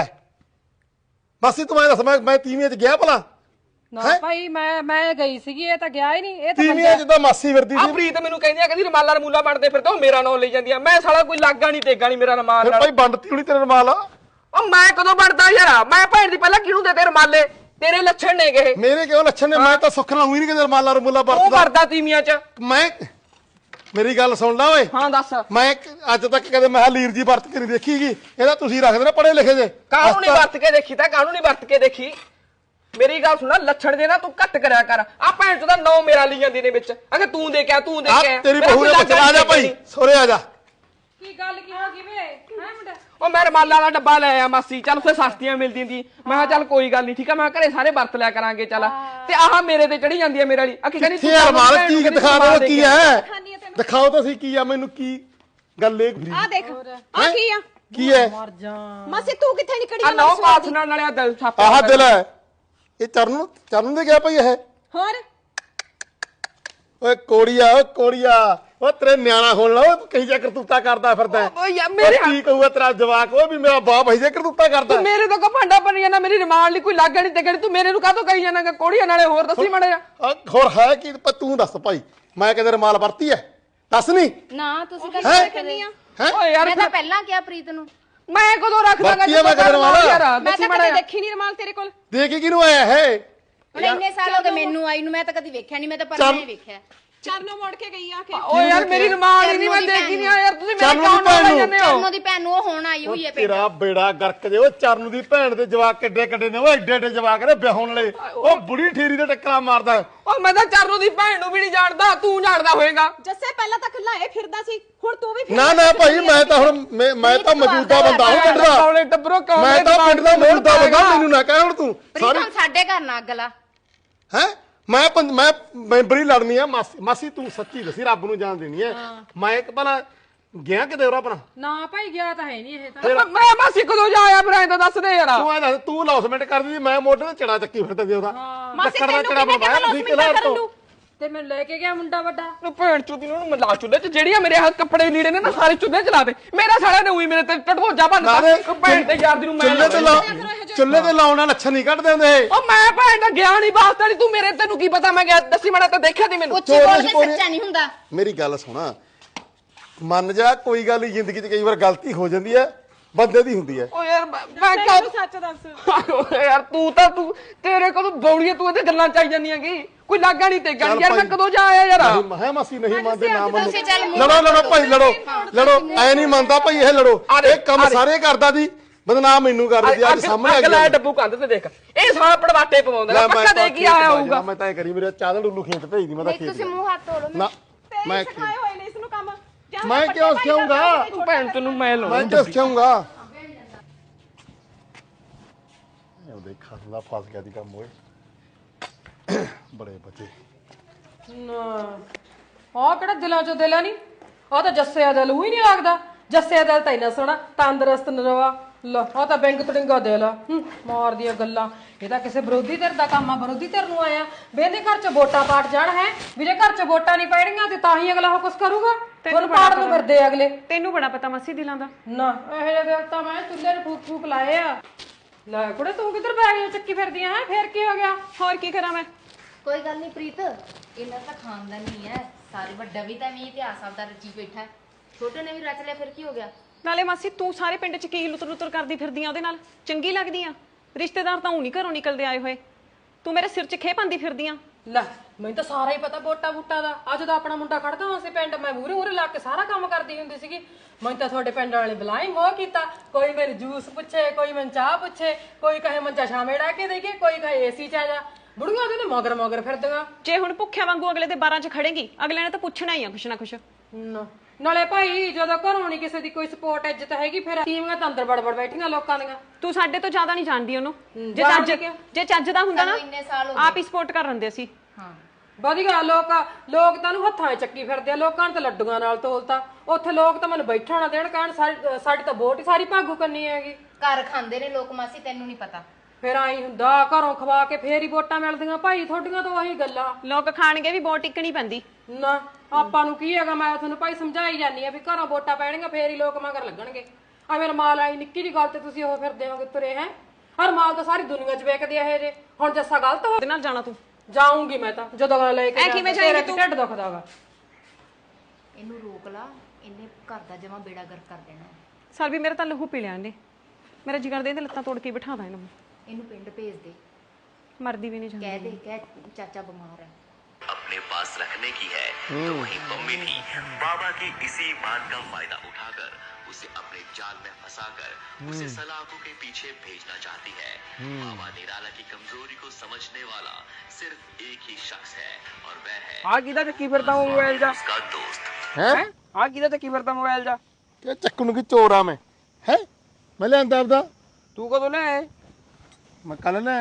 Speaker 1: ਮਾਸੀ ਤੂੰ ਐਂ ਦੱਸ, ਮੈਂ ਤੀਵੀਆਂ ਚ ਗਿਆ ਭਲਾ?
Speaker 7: ਨਾ ਭਾਈ ਮੈਂ ਗਈ ਸੀਗੀ, ਇਹ ਤਾਂ ਗਿਆ ਹੀ ਨਹੀਂ। ਇਹ ਤਾਂ
Speaker 1: ਤੀਵੀਆਂ ਚ ਤਾਂ ਮਾਸੀ ਫਿਰਦੀ
Speaker 6: ਆ
Speaker 1: ਸੀ।
Speaker 6: ਪ੍ਰੀਤ ਮੈਨੂੰ ਕਹਿੰਦੀ ਆ, ਕਹਿੰਦੀ ਰਮਾਲਾ ਰਮੂਲਾ ਬਣਦੇ ਫਿਰਦੇ ਉਹ ਮੇਰਾ ਨਾਂ ਲਈ ਜਾਂਦੀ ਆ। ਮੈਂ ਸਾਲਾ ਕੋਈ ਲਾਗਾ ਨਹੀਂ ਤੇਗਾ ਨਹੀਂ ਮੇਰਾ ਰਮਾਲ
Speaker 1: ਫਿਰ
Speaker 6: ਨਾਲ।
Speaker 1: ਭਾਈ ਵੰਡਤੀ ਹੋਣੀ ਤੇਰੇ ਰਮਾਲ।
Speaker 6: ਉਹ ਮੈਂ ਕਦੋਂ ਬਣਦਾ ਯਾਰ? ਮੈਂ ਭੈਣ ਦੀ ਪਹਿਲਾਂ ਕਿਹਨੂੰ ਦੇ ਤੇ ਰਮਾਲੇ? ਤੇਰੇ ਲੱਛਣ ਨੇ ਗਏ।
Speaker 1: ਮੇਰੇ ਕਿਉਂ ਲੱਛਣ ਨੇ? ਮੈਂ ਤਾਂ ਸੁੱਖ ਨਾਲ ਹੋਈ ਨਹੀਂ ਕਿਤੇ ਰਮਾਲਾ ਰਮੂਲਾ
Speaker 6: ਉਹ
Speaker 1: ਵਰਤਦਾ।
Speaker 6: ਕਰਦਾ ਤੀਮੀਆਂ ਚ।
Speaker 1: ਮੈਂ ਮੇਰੀ ਗੱਲ ਸੁਣ ਲਾ ਓਏ।
Speaker 6: ਹਾਂ ਦੱਸ।
Speaker 1: ਮੈਂ ਅੱਜ ਤੱਕ ਕਦੇ ਮੈਂ ਲੀਰ ਜੀ ਵਰਤ ਕੇ ਨਹੀਂ ਦੇਖੀਗੀ। ਇਹਦਾ ਤੁਸੀਂ ਰੱਖਦੇ ਨਾ ਪੜੇ ਲਿਖੇ ਜੇ।
Speaker 6: ਕਾਹਨੂੰ ਨਹੀਂ ਵਰਤ ਕੇ ਦੇਖੀ? ਤਾਂ ਕਾਹਨੂੰ ਨਹੀਂ ਵਰਤ ਕੇ ਦੇਖੀ? ਮੇਰੀ ਗੱਲ ਸੁਣਾ, ਲੱਛਣ ਦੇ ਨਾ ਤੂੰ ਘੱਟ ਕਰਿਆ ਕਰ। ਆ ਭੈਣ ਚੋਂ ਦਾ ਨੌ ਮੇਰਾ ਲਈ ਜਾਂਦੀ ਨੇ ਵਿੱਚ। ਅਗੇ ਤੂੰ ਦੇ ਕੇ ਆ, ਤੂੰ ਦੇ ਕੇ ਆ।
Speaker 1: ਤੇਰੀ ਬਹੂ ਨੇ ਬੱਚਾ। ਆ ਜਾ ਭਾਈ ਸੋਰੇ ਆ ਜਾ।
Speaker 7: ਕੀ ਗੱਲ ਕੀ ਹੋ ਗਈ ਵੇ? ਹੈ ਮੁੰਡਾ
Speaker 6: ਉਹ ਮੈਂ ਰਮਾਲਾ ਵਾਲਾ ਡੱਬਾ ਲੈ ਆਇਆ ਮਾਸੀ। ਚੱਲ ਉੱਥੇ ਸਸਤੀਆਂ ਮਿਲਦੀਆਂ ਸੀ। ਮੈਂ ਕਿਹਾ ਚੱਲ ਕੋਈ ਗੱਲ ਨਹੀਂ, ਠੀਕ ਆ। ਮੈਂ ਘਰੇ ਸਾਰੇ ਵਰਤ ਲਿਆ ਕਰਾਂਗੇ। ਚੱਲ ਤੇ ਆਹ ਮੇਰੇ ਤੇ ਚੜੀ ਜਾਂਦੀ ਹੈ ਮੇਰੇ ਵਾਲੀ। ਅਕੀ ਕਹਿੰਦੀ
Speaker 1: ਯਾਰ ਮਾਲ ਕੀ ਦਿਖਾ ਦਿਓ ਕੀ ਹੈ? ਦਿਖਾਓ ਤਾਂ ਸਹੀ ਕੀ ਆ ਮੈਨੂੰ। ਕੀ ਗੱਲ ਇਹ
Speaker 5: ਆ ਦੇਖ, ਆ ਕੀ ਆ?
Speaker 1: ਕੀ ਹੈ?
Speaker 5: ਮਾਸੀ ਤੂੰ ਕਿੱਥੇ ਨਿਕੜੀ
Speaker 6: ਆ
Speaker 5: ਆ?
Speaker 6: ਨੌ ਪਾਸ ਨਾਲ ਨਾਲੇ ਦਿਲ ਛਾਪਿਆ।
Speaker 1: ਆਹ ਦਿਲ ਹੈ ਇਹ। ਚਰਨ ਦੇ ਗਿਆ ਭਾਈ ਇਹ।
Speaker 5: ਹੋਰ
Speaker 1: ਓਏ ਕੋੜੀਆ, ਓਏ ਕੋੜੀਆ, ਉਹ ਤੇਰੇ ਨਿਆਣਾ ਹੋਣ ਲਾ। ਉਹ ਕਹੀ ਜਾ ਕਰਤੂਤਾ ਕਰਦਾ ਫਿਰਦਾ।
Speaker 6: ਓਏ ਯਾਰ ਮੇਰੇ
Speaker 1: ਕੀ ਕਹੂਗਾ ਤੇਰਾ ਜਵਾਕ? ਉਹ ਵੀ ਮੇਰਾ ਬਾਪ ਹੈ ਜੇ ਕਰਤੂਤਾ ਕਰਦਾ।
Speaker 6: ਤੂੰ ਮੇਰੇ ਤੋਂ ਕੋ ਭਾਂਡਾ ਬਣ ਜਾਣਾ? ਮੇਰੀ ਰਮਾਲ ਨਹੀਂ ਕੋਈ ਲਾਗਾ ਨਹੀਂ ਤੇ ਕਹਿੰਦੀ ਤੂੰ ਮੇਰੇ ਨੂੰ ਕਾਹਤੋਂ ਕਹੀ ਜਾਣਾਗਾ ਕੋੜੀਆਂ? ਨਾਲੇ ਹੋਰ ਦੱਸੀ ਮਾੜਾ ਜਿਹਾ।
Speaker 1: ਹੋਰ ਹੈ ਕੀ? ਤੂੰ ਦੱਸ ਭਾਈ, ਮੈਂ ਕਦੇ ਰਮਾਲ ਵਰਤੀ ਹੈ? ਦੱਸ ਨਹੀਂ।
Speaker 4: ਨਾ ਤੁਸੀਂ ਤਾਂ
Speaker 1: ਹੈਂ?
Speaker 4: ਕਹਿੰਦੀ ਆ।
Speaker 1: ਹੈ
Speaker 6: ਓਏ ਯਾਰ
Speaker 4: ਮੈਂ ਤਾਂ ਪਹਿਲਾਂ ਕਿਹਾ ਪ੍ਰੀਤ ਨੂੰ।
Speaker 6: ਮੈਂ ਕਦੋਂ ਰੱਖਦਾਗਾ?
Speaker 1: ਵਰਤੀ ਆ ਮੈਂ ਕਦੇ ਰਮਾਲ?
Speaker 6: ਯਾਰ
Speaker 5: ਮੈਂ
Speaker 6: ਦੱਸੀ
Speaker 5: ਤਾਂ
Speaker 6: ਮਾੜਾ
Speaker 5: ਕਦੇ
Speaker 6: ਜਿਹਾ।
Speaker 5: ਦੇਖੀ ਨਹੀਂ ਰੁਮਾਲ ਤੇਰੇ ਕੋਲ।
Speaker 1: ਦੇ ਕੇ ਕਿਹਨੂੰ ਆਇਆ ਹੈ?
Speaker 4: ਹੁਣ ਇੰਨੇ ਸਾਲ ਹੋ ਗਏ ਮੈਨੂੰ ਆਈ ਨੂੰ, ਮੈਂ ਤਾਂ ਕਦੀ ਵੇਖਿਆ ਨਹੀਂ। ਮੈਂ ਤਾਂ ਪਰਨੇ ਹੀ ਵੇਖਿਆ।
Speaker 5: ਚਰਨੋਂ ਮੋੜ ਕੇ ਗਈ ਆ ਕੇ।
Speaker 6: ਓਏ ਯਾਰ ਮੇਰੀ ਰਮਾਲ ਹੀ ਨਹੀਂ ਮੈਂ ਦੇਖੀ ਨਹੀਂ ਆ ਯਾਰ। ਤੁਸੀਂ ਮੇਰੇ
Speaker 1: ਚਰਨੋਂ ਦੀ
Speaker 6: ਕੌਣ
Speaker 1: ਭੈਣ
Speaker 6: ਨਾਲ
Speaker 1: ਨੂੰ।
Speaker 6: ਜਾਂਦੇ ਹੋ?
Speaker 4: ਚਰਨੋਂ ਦੀ ਭੈਣ ਨੂੰ ਉਹ ਹੁਣ ਆਈ ਹੋਈ ਹੈ ਪਿੰਡ।
Speaker 1: ਤੇਰਾ ਬੇੜਾ ਗਰਕ ਜੇ। ਉਹ ਚਰਨ ਦੀ ਭੈਣ ਦੇ ਜਵਾਕ ਕਿੱਡੇ ਕਿੱਡੇ ਨੇ। ਉਹ ਏਡੇ ਏਡੇ ਜਵਾਕ ਨੇ ਵਿਆਹੁਣ ਵਾਲੇ। ਉਹ ਬੁੜੀ ਠੇਰੀ ਦੇ ਟੱਕਰਾਂ ਮਾਰਦਾ।
Speaker 6: ਓ ਮੈਂ ਤਾਂ ਚਰਨੋਂ ਦੀ ਭੈਣ ਨੂੰ ਵੀ ਨਹੀਂ ਜਾਣਦਾ। ਤੂੰ ਜਾਣਦਾ ਹੋਏਗਾ।
Speaker 5: ਜੱਸੇ ਪਹਿਲਾਂ ਤਾਂ ਖੁੱਲਾ ਇਹ ਫਿਰਦਾ ਸੀ, ਹੁਣ ਤੂੰ ਵੀ
Speaker 1: ਨਾ ਨਾ ਭਾਈ, ਮੈਂ ਤਾਂ ਹੁਣ ਮੈਂ ਤਾਂ ਮੌਜੂਦਾ ਬੰਦਾ ਹਾਂ ਪਿੰਡ ਦਾ।
Speaker 6: ਕੌਲੇ ਟੱਬਰੋ ਕੌਲੇ
Speaker 1: ਮੈਂ ਤਾਂ ਪਿੰਡ ਦਾ ਮੌਜੂਦਾ ਬੰਦਾ। ਮੈਨੂੰ ਨਾ ਕਹਿ ਹੁਣ ਤੂੰ
Speaker 4: ਪ੍ਰੀਤ ਹੁਣ ਸਾਡੇ ਘਰ ਨਾ ਅੱਗ ਲਾ।
Speaker 1: ਹੈ। ਮੈਂ ਮੈਂਬਰੀ ਲੜਨੀ ਆ। ਮਾਸੀ ਤੂੰ ਸੱਚੀ ਦੱਸੀ, ਰੱਬ ਨੂੰ ਜਾਣ ਦੇਣੀ ਹੈ। ਮੈਂ ਇੱਕ ਭਲਾ ਗਿਆ ਕਿਤੇ ਹੋਰ ਆਪਣਾ?
Speaker 7: ਨਾ ਭਾਈ ਗਿਆ ਤਾਂ ਹੈ ਨਹੀਂ ਇਹ ਤਾਂ।
Speaker 6: ਮੈਂ ਮਾਸੀ ਕਦੋਂ ਜਾ ਆਇਆ? ਫਿਰ ਐਂ ਤਾਂ ਦੱਸ ਦੇ ਯਾਰ।
Speaker 1: ਤੂੰ ਐ ਦੱਸ, ਤੂੰ ਲੌਸਮੈਂਟ ਕਰਦੀ ਸੀ, ਮੈਂ ਮੋਢੇ ਤੇ ਚੜਾ ਚੱਕੀ ਫਿਰਦਾ ਸੀ ਉਹਦਾ।
Speaker 5: ਮਾਸੀ
Speaker 1: ਲੱਕੜ ਦਾ
Speaker 5: ਤੈਨੂੰ
Speaker 1: ਚੜਾ
Speaker 5: ਕਿਹਨੇ
Speaker 1: ਬਣਾਇਆ
Speaker 5: ਕਿਹਾ
Speaker 1: ਤੁਸੀਂ ਕਿਹੜਾ
Speaker 5: ਕਰਨ
Speaker 1: ਤੋਂ?
Speaker 5: ਨੂੰ?
Speaker 7: ਤੇ ਮੈਨੂੰ ਲੈ ਕੇ ਗਿਆ ਮੁੰਡਾ ਵੱਡਾ।
Speaker 6: ਉਹ ਭੈਣ ਚੋਦੀ ਨੂੰ ਮੈਂ ਲਾ ਚੁੱਲੇ ਚ ਜਿਹੜੀਆਂ ਮੇਰੇ ਹੱਥ ਕੱਪੜੇ ਲੀੜੇ ਨੇ ਨਾ ਸਾਰੇ ਚੁੱਲੇ ਚਲਾ ਦੇ। ਮੇਰਾ ਸਾਲਾ ਨੇ ਉਹੀ ਮੇਰੇ ਤੇ ਟਟੋਜਾ ਬੰਨਦਾ। ਭੈਣ ਤੇ ਯਾਰ ਦੀ ਨੂੰ ਮੈਂ
Speaker 1: ਚੁੱਲ੍ਹੇ ਤੇ ਲਾਉਣ ਨਾਲ ਅੱਛਾ ਨਹੀਂ ਕੱਢਦੇ ਹੁੰਦੇ।
Speaker 6: ਉਹ ਮੈਂ ਭੈਣ ਦਾ ਗਿਆ ਨਹੀਂ ਵਾਸਤਾ ਨਹੀਂ ਤੂੰ ਮੇਰੇ ਤੈਨੂੰ ਕੀ ਪਤਾ ਮੈਂ ਗਿਆ ਦੱਸੀ ਮੈਂ ਤਾਂ ਦੇਖਿਆ ਤੀ ਮੈਨੂੰ।
Speaker 4: ਉੱਚੀ ਬੋਲ ਕੇ ਸੱਚਾ ਨਹੀਂ ਹੁੰਦਾ।
Speaker 1: ਮੇਰੀ ਗੱਲ ਸੁਣਾ, ਮੰਨ ਜਾ ਕੋਈ ਗੱਲ ਨਹੀਂ, ਜ਼ਿੰਦਗੀ 'ਚ ਕਈ ਵਾਰ ਗਲਤੀ ਹੋ ਜਾਂਦੀ ਹੈ, ਬੰਦੇ ਦੀ ਹੁੰਦੀ ਹੈ।
Speaker 6: ਓ ਯਾਰ ਮੈਂ ਕਦ
Speaker 7: ਸੱਚ ਦੱਸ।
Speaker 6: ਯਾਰ ਤੂੰ ਤੇਰੇ ਕੋਲ ਬੌੜੀਆਂ ਤੂੰ ਇਹਦੇ ਗੱਲਾਂ ਚਾਈ ਜਾਂਦੀਆਂ ਕੀ ਕੋਈ ਲਾਗਾ ਨਹੀਂ ਤੇ ਗੱਲ ਯਾਰ ਮੈਂ ਕਦੋਂ ਜਾ ਆਇਆ ਯਾਰ।
Speaker 1: ਨਹੀਂ ਮੈਂ ਮਾਸੀ ਨਹੀਂ ਮੰਨਦੇ ਨਾ ਮੰਨੋ। ਲੜੋ ਭਾਈ ਲੜੋ ਐ ਨਹੀਂ ਮੰਨਦਾ ਭਾਈ ਇਹ ਲੜੋ। ਇਹ ਕੰਮ ਸਾਰੇ ਕਰਦਾ ਸੀ, ਬਦਨਾਮ ਮੈਨੂੰ ਕਰ ਦਿੱਤੀ ਅੱਜ ਸਾਹਮਣੇ ਆ
Speaker 6: ਗਿਆ। ਡੱਬੂ ਕੰਧ ਤੇ ਦੇਖ ਇਹ ਸਾਲਾ ਪੜਵਾਟੇ ਪਵਾਉਂਦਾ ਪੱਕਾ ਦੇ ਕੀ ਆਇਆ ਹੋਊਗਾ।
Speaker 1: ਮੈਂ ਤਾਂ ਇਹ ਕਰੀ ਮੇਰੇ ਚਾਦਲ ਉੱਲੂ ਖੇਤ ਭੇਜਦੀ ਮੈਂ ਤਾਂ ਖੇਤ।
Speaker 4: ਤੁਸੀਂ ਮੂੰਹ ਹੱਥ ਧੋ ਲਓ।
Speaker 1: ਨਾ ਮੈਂ
Speaker 5: ਸਿਖਾਏ ਹੋਏ ਨੇ ਇਸ ਨੂੰ ਕੰਮ।
Speaker 1: ਮੈਂ ਕਿਉਂ ਸਿਖਾਉਂਗਾ?
Speaker 6: ਤੂੰ ਭੈਣ ਤੈਨੂੰ ਮੈਂ ਲਾਉਂ
Speaker 1: ਮੈਂ ਕਿਉਂ ਸਿਖਾਉਂਗਾ? ਉਹ ਦੇਖਾ ਨਾ ਫਸ ਗਿਆ ਦੀ ਕੰਮ ਓਏ ਬੜੇ ਬੱਚੇ
Speaker 7: ਨਾ ਆ ਕਿਹੜਾ ਦਿਲਾਂ ਚੋਂ ਦਿਲ ਆ ਨਹੀਂ, ਆ ਤਾਂ ਜੱਸੇ ਦਾ ਦਿਲ ਹੀ ਨਹੀਂ ਲੱਗਦਾ। ਜੱਸੇ ਦਾ ਦਿਲ ਤਾਂ ਇੰਨਾ ਸੋਹਣਾ ਤੰਦਰੁਸਤ ਨਰਵਾ ਲਾ, ਆ ਤਾਂ ਬੈਂਕ ਤੜਿੰਗਾ ਦਿਲ ਆ। ਮਾਰਦੀਆਂ ਗੱਲਾਂ, ਇਹ ਤਾਂ ਕਿਸੇ ਵਿਰੋਧੀ ਧਿਰ ਦਾ ਕੰਮ ਆ। ਵਿਰੋਧੀ ਧਿਰ ਨੂੰ ਆਇਆ ਵੇਂਦੇ ਘਰ ਚ ਵੋਟਾਂ ਪਾਟ ਜਾਣ ਹੈ ਵੀ ਜੇ ਘਰ ਚ ਵੋਟਾਂ ਨਹੀਂ ਪੈਣੀਆਂ ਤੇ ਤਾਂ ਹੀ ਅਗਲਾ ਉਹ ਕੁਛ ਕਰੂਗਾ। ਤੁਹਾਨੂੰ ਪਾੜ ਨੂੰ ਫਿਰਦੇ ਅਗਲੇ।
Speaker 5: ਤੈਨੂੰ ਬੜਾ ਪਤਾ ਮਾਸੀ ਦਿਲਾਂ ਦਾ।
Speaker 7: ਨਾ ਇਹੋ ਜਿਹੇ ਦਿਲ ਤਾਂ ਮੈਂ ਚੁੱਲ੍ਹੇ ਨੂੰ ਫੂਕ ਫੂਕ ਲਾਏ ਆ। ਲੈ ਕੁੜੇ ਤੂੰ ਕਿੱਧਰ ਬੈ ਗਈ ਚੱਕੀ ਫਿਰਦੀਆਂ ਹੈ? ਫੇਰ ਕੀ ਹੋ ਗਿਆ?
Speaker 5: ਹੋਰ ਕੀ ਕਰਾਂ ਮੈਂ?
Speaker 4: ਕੋਈ ਗੱਲ ਨਹੀਂ ਪ੍ਰੀਤ, ਇਹਨਾਂ ਤਾਂ ਖਾਨਦਾਨ ਨਹੀਂ ਹੈ ਸਾਰੇ। ਵੱਡਾ ਵੀ ਤਾਂ ਵੀ ਇਤਿਹਾਸ ਆਪਦਾ ਰਚੀ ਬੈਠਾ, ਛੋਟੇ ਨੇ ਵੀ ਰਚ ਲਿਆ, ਫਿਰ ਕੀ ਹੋ ਗਿਆ?
Speaker 5: ਨਾਲੇ ਮਾਸੀ ਤੂੰ ਸਾਰੇ ਪਿੰਡ ਚ ਕੀ ਲੁੱਤਰ ਲੁੱਤਰ ਕਰਦੀ ਫਿਰਦੀਆਂ ਉਹਦੇ ਨਾਲ? ਚੰਗੀ ਲੱਗਦੀ ਆ? ਰਿਸ਼ਤੇਦਾਰ ਤਾਂ ਨਹੀਂ ਘਰੋਂ ਨਿਕਲਦੇ ਆਏ ਹੋਏ, ਤੂੰ ਮੇਰੇ ਸਿਰ 'ਚ ਖੇ ਪਾਉਂਦੀ ਫਿਰਦੀਆਂ।
Speaker 7: ਲੈ ਮੈਨੂੰ ਤਾਂ ਸਾਰਾ ਹੀ ਪਤਾ ਵੋਟਾਂ ਵੂਟਾਂ ਦਾ। ਅੱਜ ਦਾ ਆਪਣਾ ਮੁੰਡਾ ਖੜਦਾ ਹੁੰਦਾ ਸੀ ਪਿੰਡ, ਮੈਂ ਮੂਹਰੇ ਲਾ ਕੇ ਸਾਰਾ ਕੰਮ ਕਰਦੀ ਹੁੰਦੀ ਸੀਗੀ। ਮੈਨੂੰ ਤਾਂ ਤੁਹਾਡੇ ਪਿੰਡ ਵਾਲੇ ਬੁਲਾਈ ਮੋਹ ਕੀਤਾ। ਕੋਈ ਮੇਰੇ ਜੂਸ ਪੁੱਛੇ, ਕੋਈ ਮੈਨੂੰ ਚਾਹ ਪੁੱਛੇ, ਕੋਈ ਕਹੇ ਮੰਜਾ ਛਾਵੇਂ ਡਾ ਕੇ ਦੇਈਏ, ਕੋਈ ਕਹੇ ਏਸੀ 'ਚ ਆ ਜਾ। ਬੁੜੀਆਂ ਉਹਦੇ ਤੇ ਮਗਰ ਫਿਰਦੀਆਂ।
Speaker 5: ਜੇ ਹੁਣ ਭੁੱਖਿਆਂ ਵਾਂਗੂ ਅਗਲੇ ਦੇ 12 ਚ ਖੜੇਗੀ, ਅਗਲੇ ਨੇ ਤਾਂ ਪੁੱਛਣਾ ਹੀ ਆ ਕੁਛ ਨਾ ਕੁਛ।
Speaker 7: ਨਾਲੇ ਭਾਈ ਜਦੋਂ ਘਰੋਂ ਨਹੀਂ ਕਿਸੇ ਦੀ ਕੋਈ ਸਪੋਰਟ ਇੱਜ਼ਤ ਹੈਗੀ, ਫਿਰ ਤੀਵੀਆਂ ਤਾਂ ਅੰਦਰ ਬੜਬੜ ਬੈਠੀਆਂ ਲੋਕਾਂ ਦੀਆਂ।
Speaker 5: ਤੂੰ ਸਾਡੇ ਤੋਂ ਜ਼ਿਆਦਾ ਨਹੀਂ ਜਾਣਦੀ ਉਹਨੂੰ। ਜੇ ਚੱਜ ਦਾ ਹੁੰਦਾ ਨਾ ਆਪ ਹੀ ਸਪੋਰਟ ਕਰ ਲੈਂਦੇ ਸੀ।
Speaker 4: ਹਾਂ
Speaker 7: ਵਧੀਆ ਲੋਕ ਤਾਂ ਉਹਨੂੰ ਹੱਥਾਂ 'ਚ ਚੱਕੀ ਫਿਰਦੇ ਆ। ਲੋਕਾਂ ਨੇ ਤਾਂ ਲੱਡੂਆਂ ਨਾਲ ਤੋਲਤਾ। ਉੱਥੇ ਲੋਕ ਤਾਂ ਮੈਨੂੰ ਬੈਠਾ ਨਾ ਦੇਣ, ਕਹਿਣ ਸਾਡੀ ਤਾਂ ਵੋਟ ਹੀ ਸਾਰੀ ਭਾਗੂ ਕਰਨੀ ਹੈਗੀ।
Speaker 4: ਘਰ ਖਾਂਦੇ ਨੇ ਲੋਕ ਮਾਸੀ, ਤੈਨੂੰ ਨਹੀਂ ਪਤਾ।
Speaker 7: ਫਿਰ ਆਈ ਹੁੰਦਾ ਘਰੋਂ ਖਵਾ ਕੇ ਫੇਰ ਹੀ ਵੋਟਾਂ ਮਿਲਦੀਆਂ। ਭਾਈ ਤੁਹਾਡੀਆਂ ਤਾਂ ਉਹੀ ਗੱਲਾਂ।
Speaker 5: ਲੋਕ ਖਾਣਗੇ ਵੀ ਵੋਟ ਟਿਕਣੀ ਪੈਂਦੀ
Speaker 7: ਨਾ ਆਪਾਂ ਨੂੰ ਕੀ ਹੈਗਾ? ਮੈਂ ਤੁਹਾਨੂੰ ਭਾਈ ਸਮਝਾਈ ਜਾਂਦੀ ਆ ਵੀ ਘਰੋਂ ਵੋਟਾਂ ਪੈਣਗੀਆਂ ਫੇਰ ਹੀ ਲੋਕ ਮਗਰ ਲੱਗਣਗੇ। ਆ ਮੇਰਾ ਮਾਲ ਆਈ ਨਿੱਕੀ ਜਿਹੀ ਗੱਲ ਤੇ ਤੁਸੀਂ ਉਹ ਫਿਰਦੇ ਹੋਗੇ ਤੁਰੇ ਹੈ। ਹਰ ਮਾਲ ਤਾਂ ਸਾਰੀ ਦੁਨੀਆ 'ਚ ਵੇਚਦੇ ਆ ਇਹ ਜੇ। ਹੁਣ ਜੱਸਾ ਗਲਤ ਹੋ
Speaker 5: ਉਹਦੇ ਨਾਲ ਜਾਣਾ ਤੂੰ?
Speaker 7: ਜਾਊਂਗੀ ਮੈਂ ਤਾਂ ਜਦੋਂ ਅਗਲਾ ਲੈ ਕੇ
Speaker 5: ਕਿਵੇਂ ਜਾਏਂਗੀ ਤੂੰ?
Speaker 7: ਢਿੱਡ ਦੁਖਦਾਗਾ।
Speaker 4: ਇਹਨੂੰ ਰੋਕ ਲਾ, ਇਹਨੇ ਘਰ ਦਾ ਜਮਾ ਬੇੜਾ ਗਰਕ ਕਰ ਦੇਣਾ।
Speaker 5: ਸਰ ਵੀ ਮੇਰਾ ਤਾਂ ਲਹੂ ਪੀ ਲਿਆ ਇਹਨੇ। ਮੇਰਾ ਜੀ ਕਰਦਾ ਇਹਦੇ ਲੱਤਾਂ ਤੋੜ ਕੇ ਬਿਠਾ ਦਾਂ ਇਹਨੂੰ।
Speaker 4: ਇਹਨੂੰ ਪਿੰਡ ਭੇਜ ਦੇ,
Speaker 5: ਮਰਦੀ ਵੀ ਨਹੀਂ ਜਾਂਦੀ।
Speaker 4: ਕਹਿ ਦੇ ਕਹਿ ਚਾਚਾ ਬਿਮਾਰ है।
Speaker 8: अपने पास रखने की है तो वहीं मम्मी भी बाबा की इसी बात का फायदा उठाकर उसे अपने जाल में फंसाकर उसे सलाखों के पीछे भेजना चाहती है। बाबा निराला की कमजोरी को समझने वाला सिर्फ एक ही शख्स है और वह है
Speaker 6: ਆ ਕਿਹਦਾ ਚੱਕੀ ਫਿਰਦਾ ਮੋਬਾਈਲ ਜਾ?
Speaker 8: उसका दोस्त।
Speaker 1: ਹੈ
Speaker 6: ਆ ਕਿਹਦਾ ਚੱਕੀ ਫਿਰਦਾ ਮੋਬਾਈਲ ਜਾ?
Speaker 1: ਕਿ ਚੱਕੂ ਨੂੰ ਕੀ ਚੋਰ ਆ ਮੈਂ? ਹੈ ਮੈਂ ਲਿਆਂਦਾ ਆਪਦਾ।
Speaker 6: ਤੂੰ ਕਦੋਂ ਲੈ ਆਏ?
Speaker 1: ਮੈਂ ਕੱਲ ਲੈ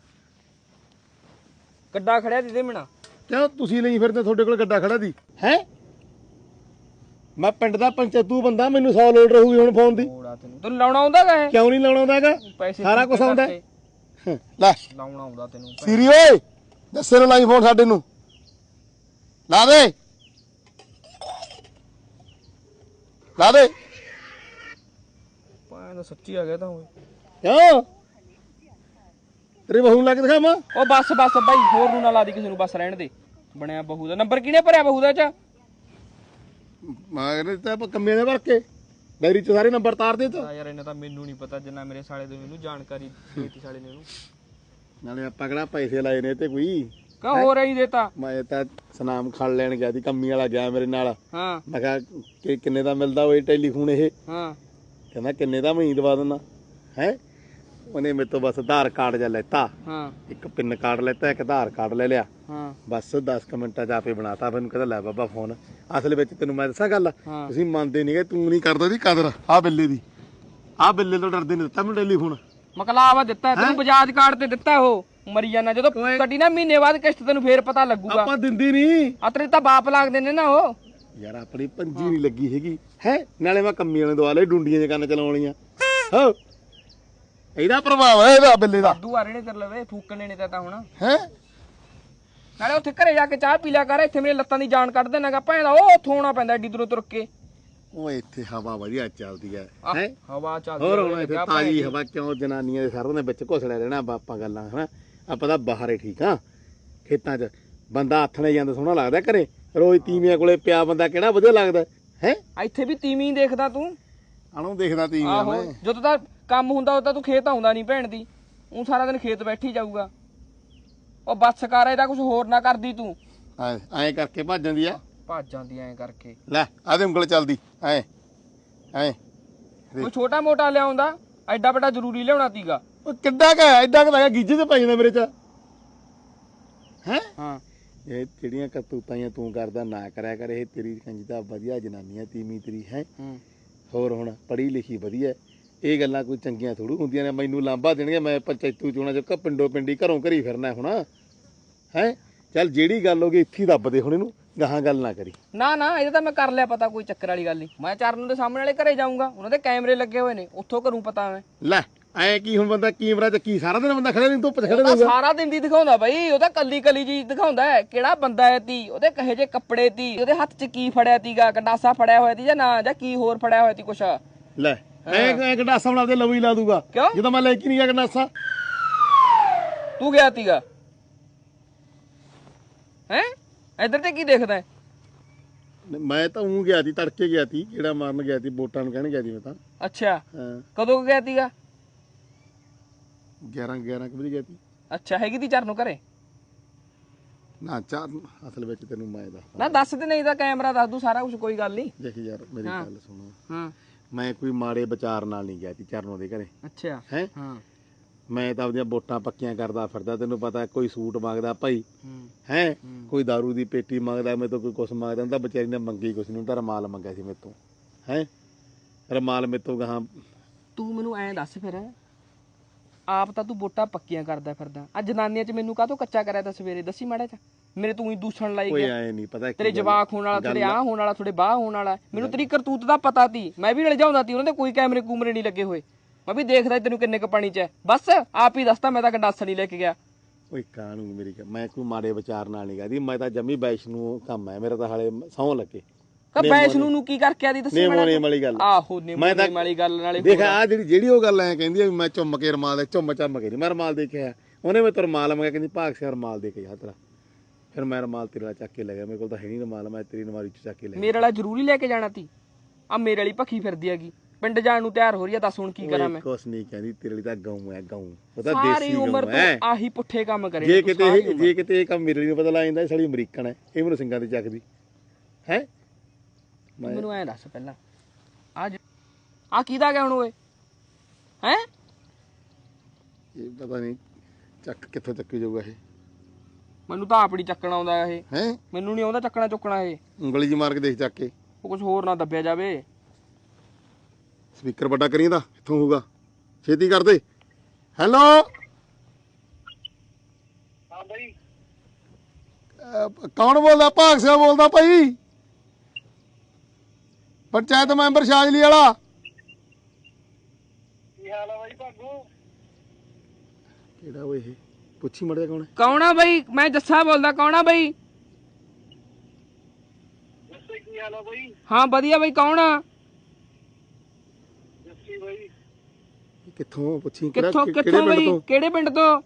Speaker 6: ਗੱਡਾ ਖੜਿਆ ਦੀਦੇ ਮਿਣਾ।
Speaker 1: ਕਿਉਂ ਤੁਸੀਂ ਲਈ ਫਿਰਦੇ? ਤੁਹਾਡੇ ਕੋਲ ਗੱਡਾ ਖੜਾ ਦੀ ਹੈ? ਮੈਂ ਪਿੰਡ ਦਾ ਪੰਚਾਇਤੂ ਬੰਦਾ, ਮੈਨੂੰ 100 ਲੋਡ ਰਹੂਗੀ ਹੁਣ ਫੋਨ ਦੀ।
Speaker 6: ਤੈਨੂੰ ਲਾਉਣਾ ਆਉਂਦਾ ਗਾ ਇਹ?
Speaker 1: ਕਿਉਂ ਨਹੀਂ ਲਾਉਣਾ ਆਉਂਦਾ ਹੈਗਾ?
Speaker 6: ਪੈਸੇ
Speaker 1: ਸਾਰਾ ਕੁਝ ਆਉਂਦਾ ਹੈ। ਲੈ
Speaker 6: ਲਾਉਣਾ ਆਉਂਦਾ ਤੈਨੂੰ।
Speaker 1: ਸੀਰੀ ਓਏ ਦੱਸੇ ਨੂੰ ਲਾਈ ਫੋਨ ਸਾਡੇ ਨੂੰ ਲਾ ਦੇ
Speaker 6: ਪਾਣ ਸੱਚੀ ਆ ਗਿਆ ਤਾਂ ਓਏ।
Speaker 1: ਕਿਉਂ ਤੇਰੀ ਬਹੂ ਨੂੰ ਲਾ ਕੇ ਦਿਖਾਵਾਂ?
Speaker 6: ਉਹ ਬੱਸ ਬਾਈ ਹੋਰ ਨੂੰ ਨਾ ਲਾ ਦੀ ਕਿਸੇ ਨੂੰ, ਬਸ ਰਹਿਣ ਦੇ। ਬਣਿਆ ਬਹੂ ਦਾ ਨੰਬਰ ਕਿਹਨੇ ਭਰਿਆ ਬਹੂ ਦਾ ਚ?
Speaker 1: ਮੈਂ ਤਾਂ ਕੰਮੇ ਦੇ ਭਰ ਕੇ ਡਾਇਰੀ 'ਚ ਸਾਰੇ ਨੰਬਰ ਤਾਰ ਦੇ ਤੋ।
Speaker 6: ਯਾਰ ਇਹਨੇ ਤਾਂ ਮੈਨੂੰ ਨਹੀਂ ਪਤਾ ਜਿੰਨਾ ਮੇਰੇ ਸਾਲੇ ਦੇ ਮੈਨੂੰ ਜਾਣਕਾਰੀ ਦੇਤੀ ਸਾਲੇ ਨੇ ਉਹਨੂੰ।
Speaker 1: ਨਾਲੇ ਆਪਾਂ ਕਿਹੜਾ ਪੈਸੇ ਲਾਏ ਨੇ ਤੇ ਕੋਈ
Speaker 6: ਕਾ ਹੋ ਰਹੀ ਦੇਤਾ?
Speaker 1: ਮੈਂ ਤਾਂ ਸਨਾਮ ਖੜ ਲੈਣ ਗਿਆ ਸੀ, ਕੰਮੀ ਵਾਲਾ ਗਿਆ ਮੇਰੇ ਨਾਲ।
Speaker 6: ਹਾਂ
Speaker 1: ਮੈਂ ਕਿਹਾ ਕਿ ਕਿੰਨੇ ਦਾ ਮਿਲਦਾ ਓਏ ਟੈਲੀਫੋਨ ਇਹ?
Speaker 6: ਹਾਂ
Speaker 1: ਕਹਿੰਦਾ ਕਿੰਨੇ ਦਾ ਮੈਂ ਦਵਾ ਦਿੰਦਾ ਹੈ। ਉਹਨੇ ਮੇਰੇ ਤੋਂ ਬਸ ਆਧਾਰ ਕਾਰਡ ਜਾਂ ਲੈਤਾ,
Speaker 6: ਹਾਂ
Speaker 1: ਇੱਕ ਪਿੰਨ ਕਾਰਡ ਲੈਤਾ, ਇੱਕ ਆਧਾਰ ਕਾਰਡ ਲੈ ਲਿਆ।
Speaker 6: ਹਾਂ
Speaker 1: ਬਸ 10 ਮਿੰਟਾਂ 'ਚ ਆਪੇ ਬਣਾਤਾ। ਮੈਨੂੰ ਕਹਿੰਦਾ ਲੈ ਬਾਬਾ ਫੋਨ। ਅਸਲ ਵਿੱਚ ਤੈਨੂੰ ਮੈਂ ਦੱਸਾਂ ਗੱਲ,
Speaker 6: ਹਾਂ।
Speaker 1: ਤੁਸੀਂ ਮੰਨਦੇ ਨਹੀਂਗੇ, ਤੂੰ ਨਹੀਂ ਕਰਦਾ ਦੀ ਕਦਰ। ਆਹ ਬਿੱਲੇ ਦੀ, ਆਹ ਬਿੱਲੇ ਤੋਂ ਡਰਦੇ ਨਹੀਂ ਦਿੱਤਾ ਮੈਨੂੰ ਟੈਲੀਫੋਨ।
Speaker 6: ਮਕਲਾਵਾ ਦਿੱਤਾ ਤੈਨੂੰ, ਬਜਾਜ ਕਾਰਡ ਤੇ ਦਿੱਤਾ ਉਹ। ਮਰੀ ਜਾਣਾ ਜਦੋਂ ਕੱਢੀ ਨਾ ਮਹੀਨੇ ਬਾਅਦ ਕਿਸ਼ਤ, ਤੈਨੂੰ ਫੇਰ ਪਤਾ ਲੱਗੂਗਾ।
Speaker 1: ਆਪਾਂ ਦਿੰਦੀ ਨਹੀਂ।
Speaker 6: ਆ ਤੇਰੇ ਤਾਂ ਬਾਪ ਲੱਗਦੇ ਨੇ ਨਾ ਉਹ।
Speaker 1: ਯਾਰ ਆਪਣੀ ਪੰਜੀ ਨਹੀਂ ਲੱਗੀ ਹੈਗੀ ਹੈ। ਨਾਲੇ ਮੈਂ ਕੰਮੀ ਵਾਲੇ ਦਵਾ ਲਏ ਡੁੰਡੀਆਂ ਜਿਹੀਆਂ ਕੰਨ ਚਲਾਉਣੀਆਂ। ਹੋ ਇਹਦਾ ਪ੍ਰਭਾਵ ਹੈ ਇਹਦਾ ਬਿੱਲੇ ਦਾ।
Speaker 6: ਦੁਆਰੇ ਨੇ ਤੇਰੇ ਲਵੇ ਫੂਕਣੇ ਨੇ ਤਾਂ ਹੁਣ
Speaker 1: ਹੈ
Speaker 6: ਨਾਲੇ ਉੱਥੇ ਘਰੇ ਜਾ ਕੇ ਚਾਹ ਪੀ ਲਿਆ ਕਰ, ਇੱਥੇ ਮੇਰੇ ਲੱਤਾਂ ਦੀ ਜਾਨ ਕੱਢ ਦੇਣਾਗਾ ਭੈਣ ਦਾ, ਉਹ ਉੱਥੋਂ ਆਉਣਾ ਪੈਂਦਾ ਏਡੀ ਦੂਰੋਂ ਤੁਰ ਕੇ।
Speaker 1: ਉਹ ਇੱਥੇ ਹਵਾ ਵਧੀਆ ਚੱਲਦੀ ਹੈ ਹੈ
Speaker 6: ਹਵਾ ਚੱਲਦੀ
Speaker 1: ਹੋਰ ਹੁਣ ਇੱਥੇ ਤਾਜ਼ੀ ਹਵਾ ਕਿਉਂ ਜਨਾਨੀਆਂ ਦੇ ਸਾਰਿਆਂ ਦੇ ਵਿੱਚ ਘੁਸੜਿਆ ਰਹਿਣਾ ਆਪਾਂ ਗੱਲਾਂ ਹਨਾ। ਆਪਾਂ ਤਾਂ ਬਾਹਰ ਹੀ ਠੀਕ ਆ, ਖੇਤਾਂ 'ਚ ਬੰਦਾ ਆਥਣੇ ਜਾਂਦਾ ਸੋਹਣਾ ਲੱਗਦਾ, ਘਰੇ ਰੋਜ਼ ਤੀਵੀਆਂ ਕੋਲੇ ਪਿਆ ਬੰਦਾ ਕਿਹੜਾ ਵਧੀਆ ਲੱਗਦਾ ਹੈ।
Speaker 6: ਇੱਥੇ ਵੀ ਤੀਵੀਂ ਦੇਖਦਾ ਤੂੰ?
Speaker 1: ਆਣੂ ਦੇਖਦਾ ਤੀਵੀਆਂ ਮੈਂ।
Speaker 6: ਜਦੋਂ ਤਾਂ ਕੰਮ ਹੁੰਦਾ ਉਦੋਂ ਤਾਂ ਤੂੰ ਖੇਤ ਆਉਂਦਾ ਨਹੀਂ ਭੈਣ ਦੀ, ਉਹ ਸਾਰਾ ਦਿਨ ਖੇਤ ਬੈਠੀ ਜਾਊਗਾ। ਉਹ ਬੱਸ ਕਰ ਇਹਦਾ ਕੁਝ ਹੋਰ ਨਾ ਕਰਦੀ ਤੂੰ।
Speaker 1: ਐਂ ਕਰਕੇ ਭੱਜ ਜਾਂਦੀ ਆ,
Speaker 6: ਭੱਜ ਜਾਂਦੀ ਐਂ ਕਰਕੇ।
Speaker 1: ਲੈ ਆਦੇ ਉਂਗਲ ਚੱਲਦੀ ਐ ਐ।
Speaker 6: ਕੋਈ ਛੋਟਾ ਮੋਟਾ ਲਿਆਉਂਦਾ, ਐਡਾ ਵੱਡਾ ਜ਼ਰੂਰੀ ਲਿਆਉਣਾ ਤੀਗਾ।
Speaker 1: ਉਹ ਕਿੱਡਾ ਕ ਐਡਾ ਕ ਗੀਜੇ ਤੇ ਪੈ ਜਾਂਦਾ ਮੇਰੇ ਚ ਹੈ।
Speaker 6: ਹਾਂ
Speaker 1: ਇਹ ਜਿਹੜੀਆਂ ਕਰਤੂਤਾਂ ਤੂੰ ਕਰਦਾ ਨਾ ਕਰਿਆ ਕਰ, ਇਹ ਤੇਰੀ ਕੰਜੀ ਤਾਂ ਵਧੀਆ ਜਨਾਨੀਆਂ ਤੀਵੀਂ ਤੇਰੀ ਹੈ। ਹੋਰ ਹੁਣ ਪੜ੍ਹੀ ਲਿਖੀ ਵਧੀਆ, ਇਹ ਗੱਲਾਂ ਕੋਈ ਚੰਗੀਆਂ ਥੋੜੂ ਹੁੰਦੀਆਂ ਨੇ। ਮੈਨੂੰ ਲਾਂਭਾ ਦੇਣਗੇ, ਮੈਂ ਪੰਚਾਇਤੂ ਚੋਣਾਂ ਚ ਪਿੰਡੋ ਪਿੰਡੀ ਘਰੋਂ ਘਰੀ ਫਿਰਨਾ ਹੁਣ ਹੈ। ਚੱਲ ਜਿਹੜੀ ਗੱਲ ਹੋ ਗਈ ਇੱਥੇ ਦੱਬ ਦੇ ਹੁਣ, ਇਹਨੂੰ ਗਾਹਾਂ ਗੱਲ ਨਾ ਕਰੀ।
Speaker 6: ਨਾ ਨਾ ਇਹਦਾ ਤਾਂ ਮੈਂ ਕਰ ਲਿਆ ਪਤਾ, ਕੋਈ ਚੱਕਰ ਵਾਲੀ ਗੱਲ ਨਹੀਂ। ਮੈਂ ਚਰਨ ਦੇ ਸਾਹਮਣੇ ਵਾਲੇ ਘਰੇ ਜਾਊਂਗਾ, ਉਹਨਾਂ ਦੇ ਕੈਮਰੇ ਲੱਗੇ ਹੋਏ ਨੇ, ਉੱਥੋਂ ਕਰੂੰ ਪਤਾ ਮੈਂ।
Speaker 1: ਲੈ ਐ ਕੀ ਹੁਣ ਬੰਦਾ ਕੈਮਰਾ ਚ ਕੀ ਸਾਰਾ ਦਿਨ ਬੰਦਾ ਖੜੇ ਨਹੀਂ ਧੁੱਪ ਚ ਖੜੇ
Speaker 6: ਉਹਦਾ ਸਾਰਾ ਦਿਨ ਦੀ ਦਿਖਾਉਂਦਾ ਬਈ, ਉਹਦਾ ਕੱਲੀ ਕੱਲੀ ਜੀ ਦਿਖਾਉਂਦਾ ਹੈ ਕਿਹੜਾ ਬੰਦਾ ਹੈ ਤੀ, ਉਹਦੇ ਕਹੇ ਜੇ ਕੱਪੜੇ ਤੀ, ਉਹਦੇ ਹੱਥ 'ਚ ਕੀ ਫੜਿਆ ਤੀਗਾ, ਗੰਡਾਸਾ ਫੜਿਆ ਹੋਇਆ ਤੀ ਜਾਂ ਨਾ, ਜਾਂ ਕੀ ਹੋਰ ਫੜਿਆ ਹੋਇਆ ਤੀ ਕੁਛ।
Speaker 1: ਲੈ ਐ ਗੰਡਾਸਾ ਬਣਾ ਦੇ ਲਵ ਹੀ ਲਾ ਦੂਗਾ।
Speaker 6: ਕਿਉਂ?
Speaker 1: ਜਦੋਂ ਮੈਂ ਲੈ ਕੇ ਨਹੀਂ ਗਿਆ ਗੰਡਾਸਾ।
Speaker 6: ਤੂੰ ਗਿਆ ਤੀਗਾ ਹੈ ਇੱਧਰ ਤੇ ਕੀ ਦੇਖਦਾ ਹੈ?
Speaker 1: ਮੈਂ ਤਾਂ ਉਹ ਗਿਆ ਸੀ, ਤੜਕੇ ਗਿਆ ਸੀ, ਕਿਹੜਾ ਮਾਰਨ ਗਿਆ ਸੀ, ਵੋਟਾਂ ਨੂੰ ਕਹਿਣ ਗਿਆ ਸੀ ਮੈਂ ਤਾਂ।
Speaker 6: ਅੱਛਾ
Speaker 1: ਹਾਂ
Speaker 6: ਕਦੋਂ ਗਿਆ ਤੀਗਾ?
Speaker 1: 11 ਵਜੇ ਗਿਆ ਸੀ।
Speaker 6: ਅੱਛਾ ਹੈਗੀ ਤੀ ਚਰਨ ਨੂੰ ਘਰੇ?
Speaker 1: ਨਾ ਚਾਰ ਅਸਲ ਵਿੱਚ ਤੈਨੂੰ ਮੈਂ ਦੱਸਦਾ
Speaker 6: ਨਾ ਦੱਸ ਦੇ, ਨਹੀਂ ਤਾਂ ਕੈਮਰਾ ਦੱਸ ਦੂ ਸਾਰਾ ਕੁਝ, ਕੋਈ ਗੱਲ ਨਹੀਂ।
Speaker 1: ਦੇਖ ਯਾਰ ਮੇਰੀ ਗੱਲ ਸੁਣੋ।
Speaker 6: ਹਾਂ
Speaker 1: ਮੈਂ ਕੋਈ ਮਾੜੇ ਵਿਚਾਰ ਨਾਲ ਨਹੀਂ ਗਿਆ ਸੀ ਚਰਨੋਂ ਦੇ ਘਰੇ
Speaker 6: ਅੱਛਾ
Speaker 1: ਹੈ।
Speaker 6: ਹਾਂ
Speaker 1: ਮੈਂ ਤਾਂ ਆਪਣੀਆਂ ਵੋਟਾਂ ਪੱਕੀਆਂ ਕਰਦਾ ਫਿਰਦਾ, ਤੈਨੂੰ ਪਤਾ ਕੋਈ ਸੂਟ ਮੰਗਦਾ ਭਾਈ ਹੈ, ਕੋਈ ਦਾਰੂ ਦੀ ਪੇਟੀ ਮੰਗਦਾ, ਮੇਰੇ ਤੋਂ ਕੋਈ ਕੁਛ ਮੰਗਦਾ। ਤਾਂ ਵਿਚਾਰੀ ਨੇ ਮੰਗੀ ਕੁਛ ਨਹੀਂ, ਤਾਂ ਰਮਾਲ ਮੰਗਿਆ ਸੀ ਮੇਰੇ ਤੋਂ ਹੈ। ਰਮਾਲ ਮੇਰੇ ਤੋਂ ਗਾਹਾਂ।
Speaker 6: ਤੂੰ ਮੈਨੂੰ ਐਂ ਦੱਸ ਫਿਰ, ਆਪ ਤਾਂ ਤੂੰ ਵੋਟਾਂ ਪੱਕੀਆਂ ਕਰਦਾ ਫਿਰਦਾ, ਆ ਜਨਾਨੀਆਂ 'ਚ ਮੈਨੂੰ ਕਾਹਤੋਂ ਕੱਚਾ ਕਰਿਆ ਤਾਂ ਸਵੇਰੇ ਦੱਸੀ ਮਾੜਾ ਚ। ਮੇਰੇ ਤੂੰ ਹੀ ਦੂਸ਼ਣ ਲਾਈ
Speaker 1: ਓਏ
Speaker 6: ਗਿਆ।
Speaker 1: ਐ ਨਹੀਂ ਪਤਾ
Speaker 6: ਤੇਰੇ ਜਵਾਕ ਹੋਣ ਵਾਲਾ, ਤੇਰੇ ਆਹ ਹੋਣ ਵਾਲਾ, ਤੁਹਾਡੇ ਬਾਹ ਹੋਣ ਵਾਲਾ, ਮੈਨੂੰ ਤੇਰੀ ਕਰਤੂਤ ਦਾ ਪਤਾ ਤੀ। ਮੈਂ ਵੀ ਰਲਜਾਉਂਦਾ ਤੀ, ਉਹਨਾਂ ਦੇ ਕੋਈ ਕੈਮਰੇ ਕੂਮਰੇ ਨਹੀਂ ਲੱਗੇ ਹੋਏ। ਮੈਂ ਵੀ ਦੇਖਦਾ ਤੈਨੂੰ ਕਿੰਨੇ ਕ ਪਾਣੀ 'ਚ ਹੈ, ਬਸ ਆਪ ਹੀ ਦੱਸਦਾ। ਮੈਂ ਤਾਂ ਗੰਡਾਸਾ ਨਹੀਂ ਲੈ ਕੇ ਗਿਆ।
Speaker 1: ਓਏ ਕਾਹਨੂੰ ਮੇਰੀ ਮੈਂ ਕੋਈ ਮਾੜੇ ਵਿਚਾਰ ਨਾਲ ਨਹੀਂ ਗਈ, ਮੈਂ ਤਾਂ ਜੰਮੀ ਵੈਸ਼ਨੂ ਕੰਮ ਹੈ ਮੇਰਾ, ਤਾਂ ਹਾਲੇ ਸਹੁੰ ਲੱਗੇ।
Speaker 6: ਵੈਸ਼ਨੂ ਨੂੰ ਕੀ ਕਰਕੇ ਆਦੀ ਦੱਸੀ
Speaker 1: ਨੇਮੋ ਨੇਮ ਵਾਲੀ ਗੱਲ।
Speaker 6: ਆਹੋ ਨੇਮੋ ਨੇਮ ਵਾਲੀ ਗੱਲ ਨਾਲੇ
Speaker 1: ਦੇਖ ਆ ਜਿਹੜੀ ਉਹ ਗੱਲ ਐ ਕਹਿੰਦੀ ਆ ਵੀ ਮੈਂ ਚੁੰਮ ਕੇ ਰਮਾਲ ਦੇ ਚੁੰਮ ਕੇ ਨਹੀਂ, ਮੈਂ ਰਮਾਲ ਦੇ ਕੇ ਆਇਆ। ਉਹਨੇ ਮੈਂ ਤੇ ਰਮਾਲ ਮੰਗਿਆ, ਕਹਿੰਦੀ ਭਾਗ ਸਿਆ ਰਮਾਲ ਦੇ ਕੇ ਜਾ ਤੇਰਾ। ਫਿਰ ਮੈਂ ਰਮਾਲ ਤੇਰੇ ਨਾਲ ਚੱਕ ਕੇ ਲੈ ਗਿਆ, ਮੇਰੇ ਕੋਲ ਤਾਂ ਹੈ ਨਹੀਂ ਰਮਾਲ, ਮੈਂ ਤੇਰੀ ਨਵਾਰੀ ਚ ਚੱਕ ਕੇ ਲੈ ਗਿਆ।
Speaker 6: ਮੇਰੇ ਵਾਲਾ ਜ਼ਰੂਰੀ ਲੈ ਕੇ ਜਾਣਾ ਤੀ? ਆ ਮੇਰੇ ਵਾਲੀ ਭੱਖੀ ਫਿਰਦੀ ਹੈਗੀ, ਪਿੰਡ ਜਾਣ ਨੂੰ ਤਿਆਰ ਹੋ ਰਹੀ ਆ, ਦੱਸ ਹੁਣ ਕੀ ਕਰਾਂ ਮੈਂ?
Speaker 1: ਕੁਛ ਨਹੀਂ ਕਹਿੰਦੀ, ਤੇਰੇ ਲਈ ਤਾਂ ਗਊ ਹੈ, ਗਊ। ਉਹ ਤਾਂ
Speaker 6: ਸਾਰੀ
Speaker 1: ਦੇਸੀ
Speaker 6: ਉਮਰ
Speaker 1: ਗਊ
Speaker 6: ਤੂੰ
Speaker 1: ਹੈ।
Speaker 6: ਆਹੀ ਪੁੱਠੇ ਕੰਮ ਕਰੇ।
Speaker 1: ਜੇ ਕਿਤੇ ਇਹ ਕੰਮ ਮੇਰੇ ਲਈ ਪਤਾ ਲੱਗ ਜਾਂਦਾ, ਸਾਲੀ ਅਮਰੀਕਨ ਹੈ, ਇਹ ਮੈਨੂੰ ਸਿੰਘਾਂ ਤੇ ਚੱਕਦੀ ਹੈ।
Speaker 6: ਮੈਨੂੰ ਐਂ ਦੱਸ ਪਹਿਲਾਂ, ਆ ਕਿਹਦਾ ਗਿਆ ਹੁਣ ਓਏ ਹੈ?
Speaker 1: ਇਹ ਪਤਾ ਨਹੀਂ ਚੱਕ ਕਿੱਥੋਂ ਚੱਕੀ ਜਾਊਗਾ ਇਹ।
Speaker 6: ਮੈਨੂੰ ਤਾਂ ਆਪਣੀ ਚੱਕਣਾ ਆਉਂਦਾ ਇਹ
Speaker 1: ਹੈ।
Speaker 6: ਮੈਨੂੰ ਨਹੀਂ ਆਉਂਦਾ ਚੱਕਣਾ ਚੁੱਕਣਾ ਇਹ।
Speaker 1: ਉਂਗਲੀ ਜੀ ਮਾਰ ਕੇ ਦੇਖ ਚੱਕ ਕੇ,
Speaker 6: ਉਹ ਕੁਝ ਹੋਰ ਨਾ ਦੱਬਿਆ ਜਾਵੇ।
Speaker 1: ਸਪੀਕਰ ਵੱਡਾ ਕਰੀਂ ਦਾ ਇੱਥੋਂ ਹੋਊਗਾ, ਛੇਤੀ ਕਰ ਦੇ। ਹੈਲੋ
Speaker 9: ਹਾਂ ਬਾਈ,
Speaker 1: ਕੌਣ ਬੋਲਦਾ? ਭਾਗ ਸਿਆ ਬੋਲਦਾ ਭਾਈ, ਪੰਚਾਇਤ ਮੈਂਬਰ ਸ਼ਾਜਲੀ ਵਾਲਾ।
Speaker 9: ਕੀ ਹਾਲ ਆ ਬਾਈ ਭਾਗੂ?
Speaker 1: ਕਿਹੜਾ ਓਏ ਇਹ? ਪੁੱਛੀ ਮੜਿਆ ਕੌਣ ਹੈ?
Speaker 6: ਕੌਣ ਆ ਬਈ? ਮੈਂ ਜੱਸਾ ਬੋਲਦਾ। ਕੌਣ ਆ ਬਈ?
Speaker 9: ਜੱਸੇ ਕੀ ਹਾਲ ਆ ਬਾਈ?
Speaker 6: ਹਾਂ ਵਧੀਆ ਬਈ। ਕੌਣ ਆ?
Speaker 9: ਜੱਸੀ ਬਾਈ।
Speaker 1: ਕਿੱਥੋਂ? ਪੁੱਛੀ
Speaker 6: ਕਿੱਥੋਂ ਬਈ? ਕਿਹੜੇ ਪਿੰਡ ਤੋਂ?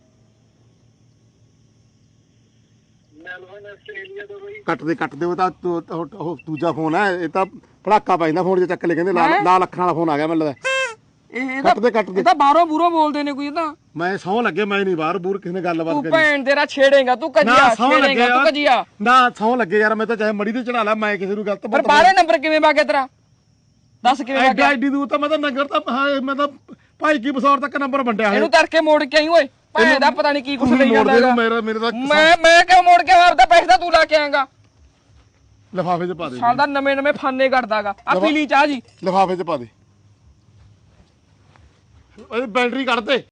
Speaker 9: ਮੈਲਬਨ ਆਸਟ੍ਰੇਲੀਆ ਤੋਂ ਬਾਈ।
Speaker 1: ਕੱਟ ਦੇ ਉਹ ਤਾਂ ਉਹ ਦੂਜਾ ਫੋਨ ਹੈ, ਇਹ ਤਾਂ ਭੜਾਕਾ ਪੈਂਦਾ ਫੋਨ 'ਚ ਚੱਕ ਲੈ, ਕਹਿੰਦੇ ਲਾਲ ਅੱਖਾਂ ਵਾਲਾ ਫੋਨ ਆ ਗਿਆ ਮੈਨੂੰ ਲੱਗਦਾ। ਕੱਟ ਦੇ
Speaker 6: ਇਹ ਤਾਂ ਬਾਹਰੋਂ ਬੂਰੋਂ ਬੋਲਦੇ ਨੇ ਕੋਈ। ਤਾਂ
Speaker 1: ਮੈਂ ਸਹੁੰ ਲੱਗੇ, ਮੈਂ ਨਹੀਂ ਬਾਹਰ ਬੂਰ ਕਿਸੇ ਨੇ ਗੱਲਬਾਤ
Speaker 6: ਤੂੰ
Speaker 1: ਕਰੀ।
Speaker 6: ਭੈਣ ਤੇਰਾ ਛੇੜੇਗਾ ਤੂੰ, ਕਜੀਆ ਛੇੜੇਗਾ ਤੂੰ, ਕਜੀਆ
Speaker 1: ਨਾ ਸਹੁੰ ਲੱਗੇ ਯਾਰ, ਮੈਂ ਤਾਂ ਚਾਹੇ ਮੜੀ ਤੇ ਚੜਾ ਲਾ, ਮੈਂ ਕਿਸੇ ਨੂੰ ਗਲਤ
Speaker 6: ਪਰ ਬਾਹਰੇ ਨੰਬਰ ਕਿਵੇਂ ਵਾਗਿਆ ਤੇਰਾ? ਦੱਸ ਕਿਵੇਂ ਵਾਗਿਆ?
Speaker 1: ਐਡੀ ਦੂਰ ਤਾਂ ਮੈਂ ਤਾਂ ਨਗਰ ਤਾਂ ਮੈਂ ਤਾਂ ਭਾਈ ਕੀ ਬਸੌਰ ਤੱਕ ਨੰਬਰ ਵੰਡਿਆ ਹੈ।
Speaker 6: ਇਹਨੂੰ ਤੜਕੇ ਮੋੜ ਕੇ ਆਈ ਓਏ, ਭੈਣ ਦਾ ਪਤਾ ਨਹੀਂ ਕੀ ਕੁਛ ਲਈ ਜਾਂਦਾ ਹੈਗਾ।
Speaker 1: ਮੇਰੇ ਤਾਂ
Speaker 6: ਮੈਂ ਕਿਉਂ ਮੋੜ ਕੇ ਆਪਦਾ ਪੈਸੇ ਤਾਂ ਤੂੰ ਲਾ ਕੇ ਆਏਗਾ।
Speaker 1: ਲਿਫਾਫੇ 'ਚ ਪਾ ਦੇ।
Speaker 6: ਸਾਲ ਦਾ ਨਵੇਂ ਫਾਨੇ ਕੱਢਦਾਗਾ। ਆ ਪੀਲੀ ਚਾਹ ਜੀ
Speaker 1: ਲਿਫਾਫੇ 'ਚ ਪਾ ਦੇ, ਓਏ ਬੈਟਰੀ ਕੱਢ ਦੇ।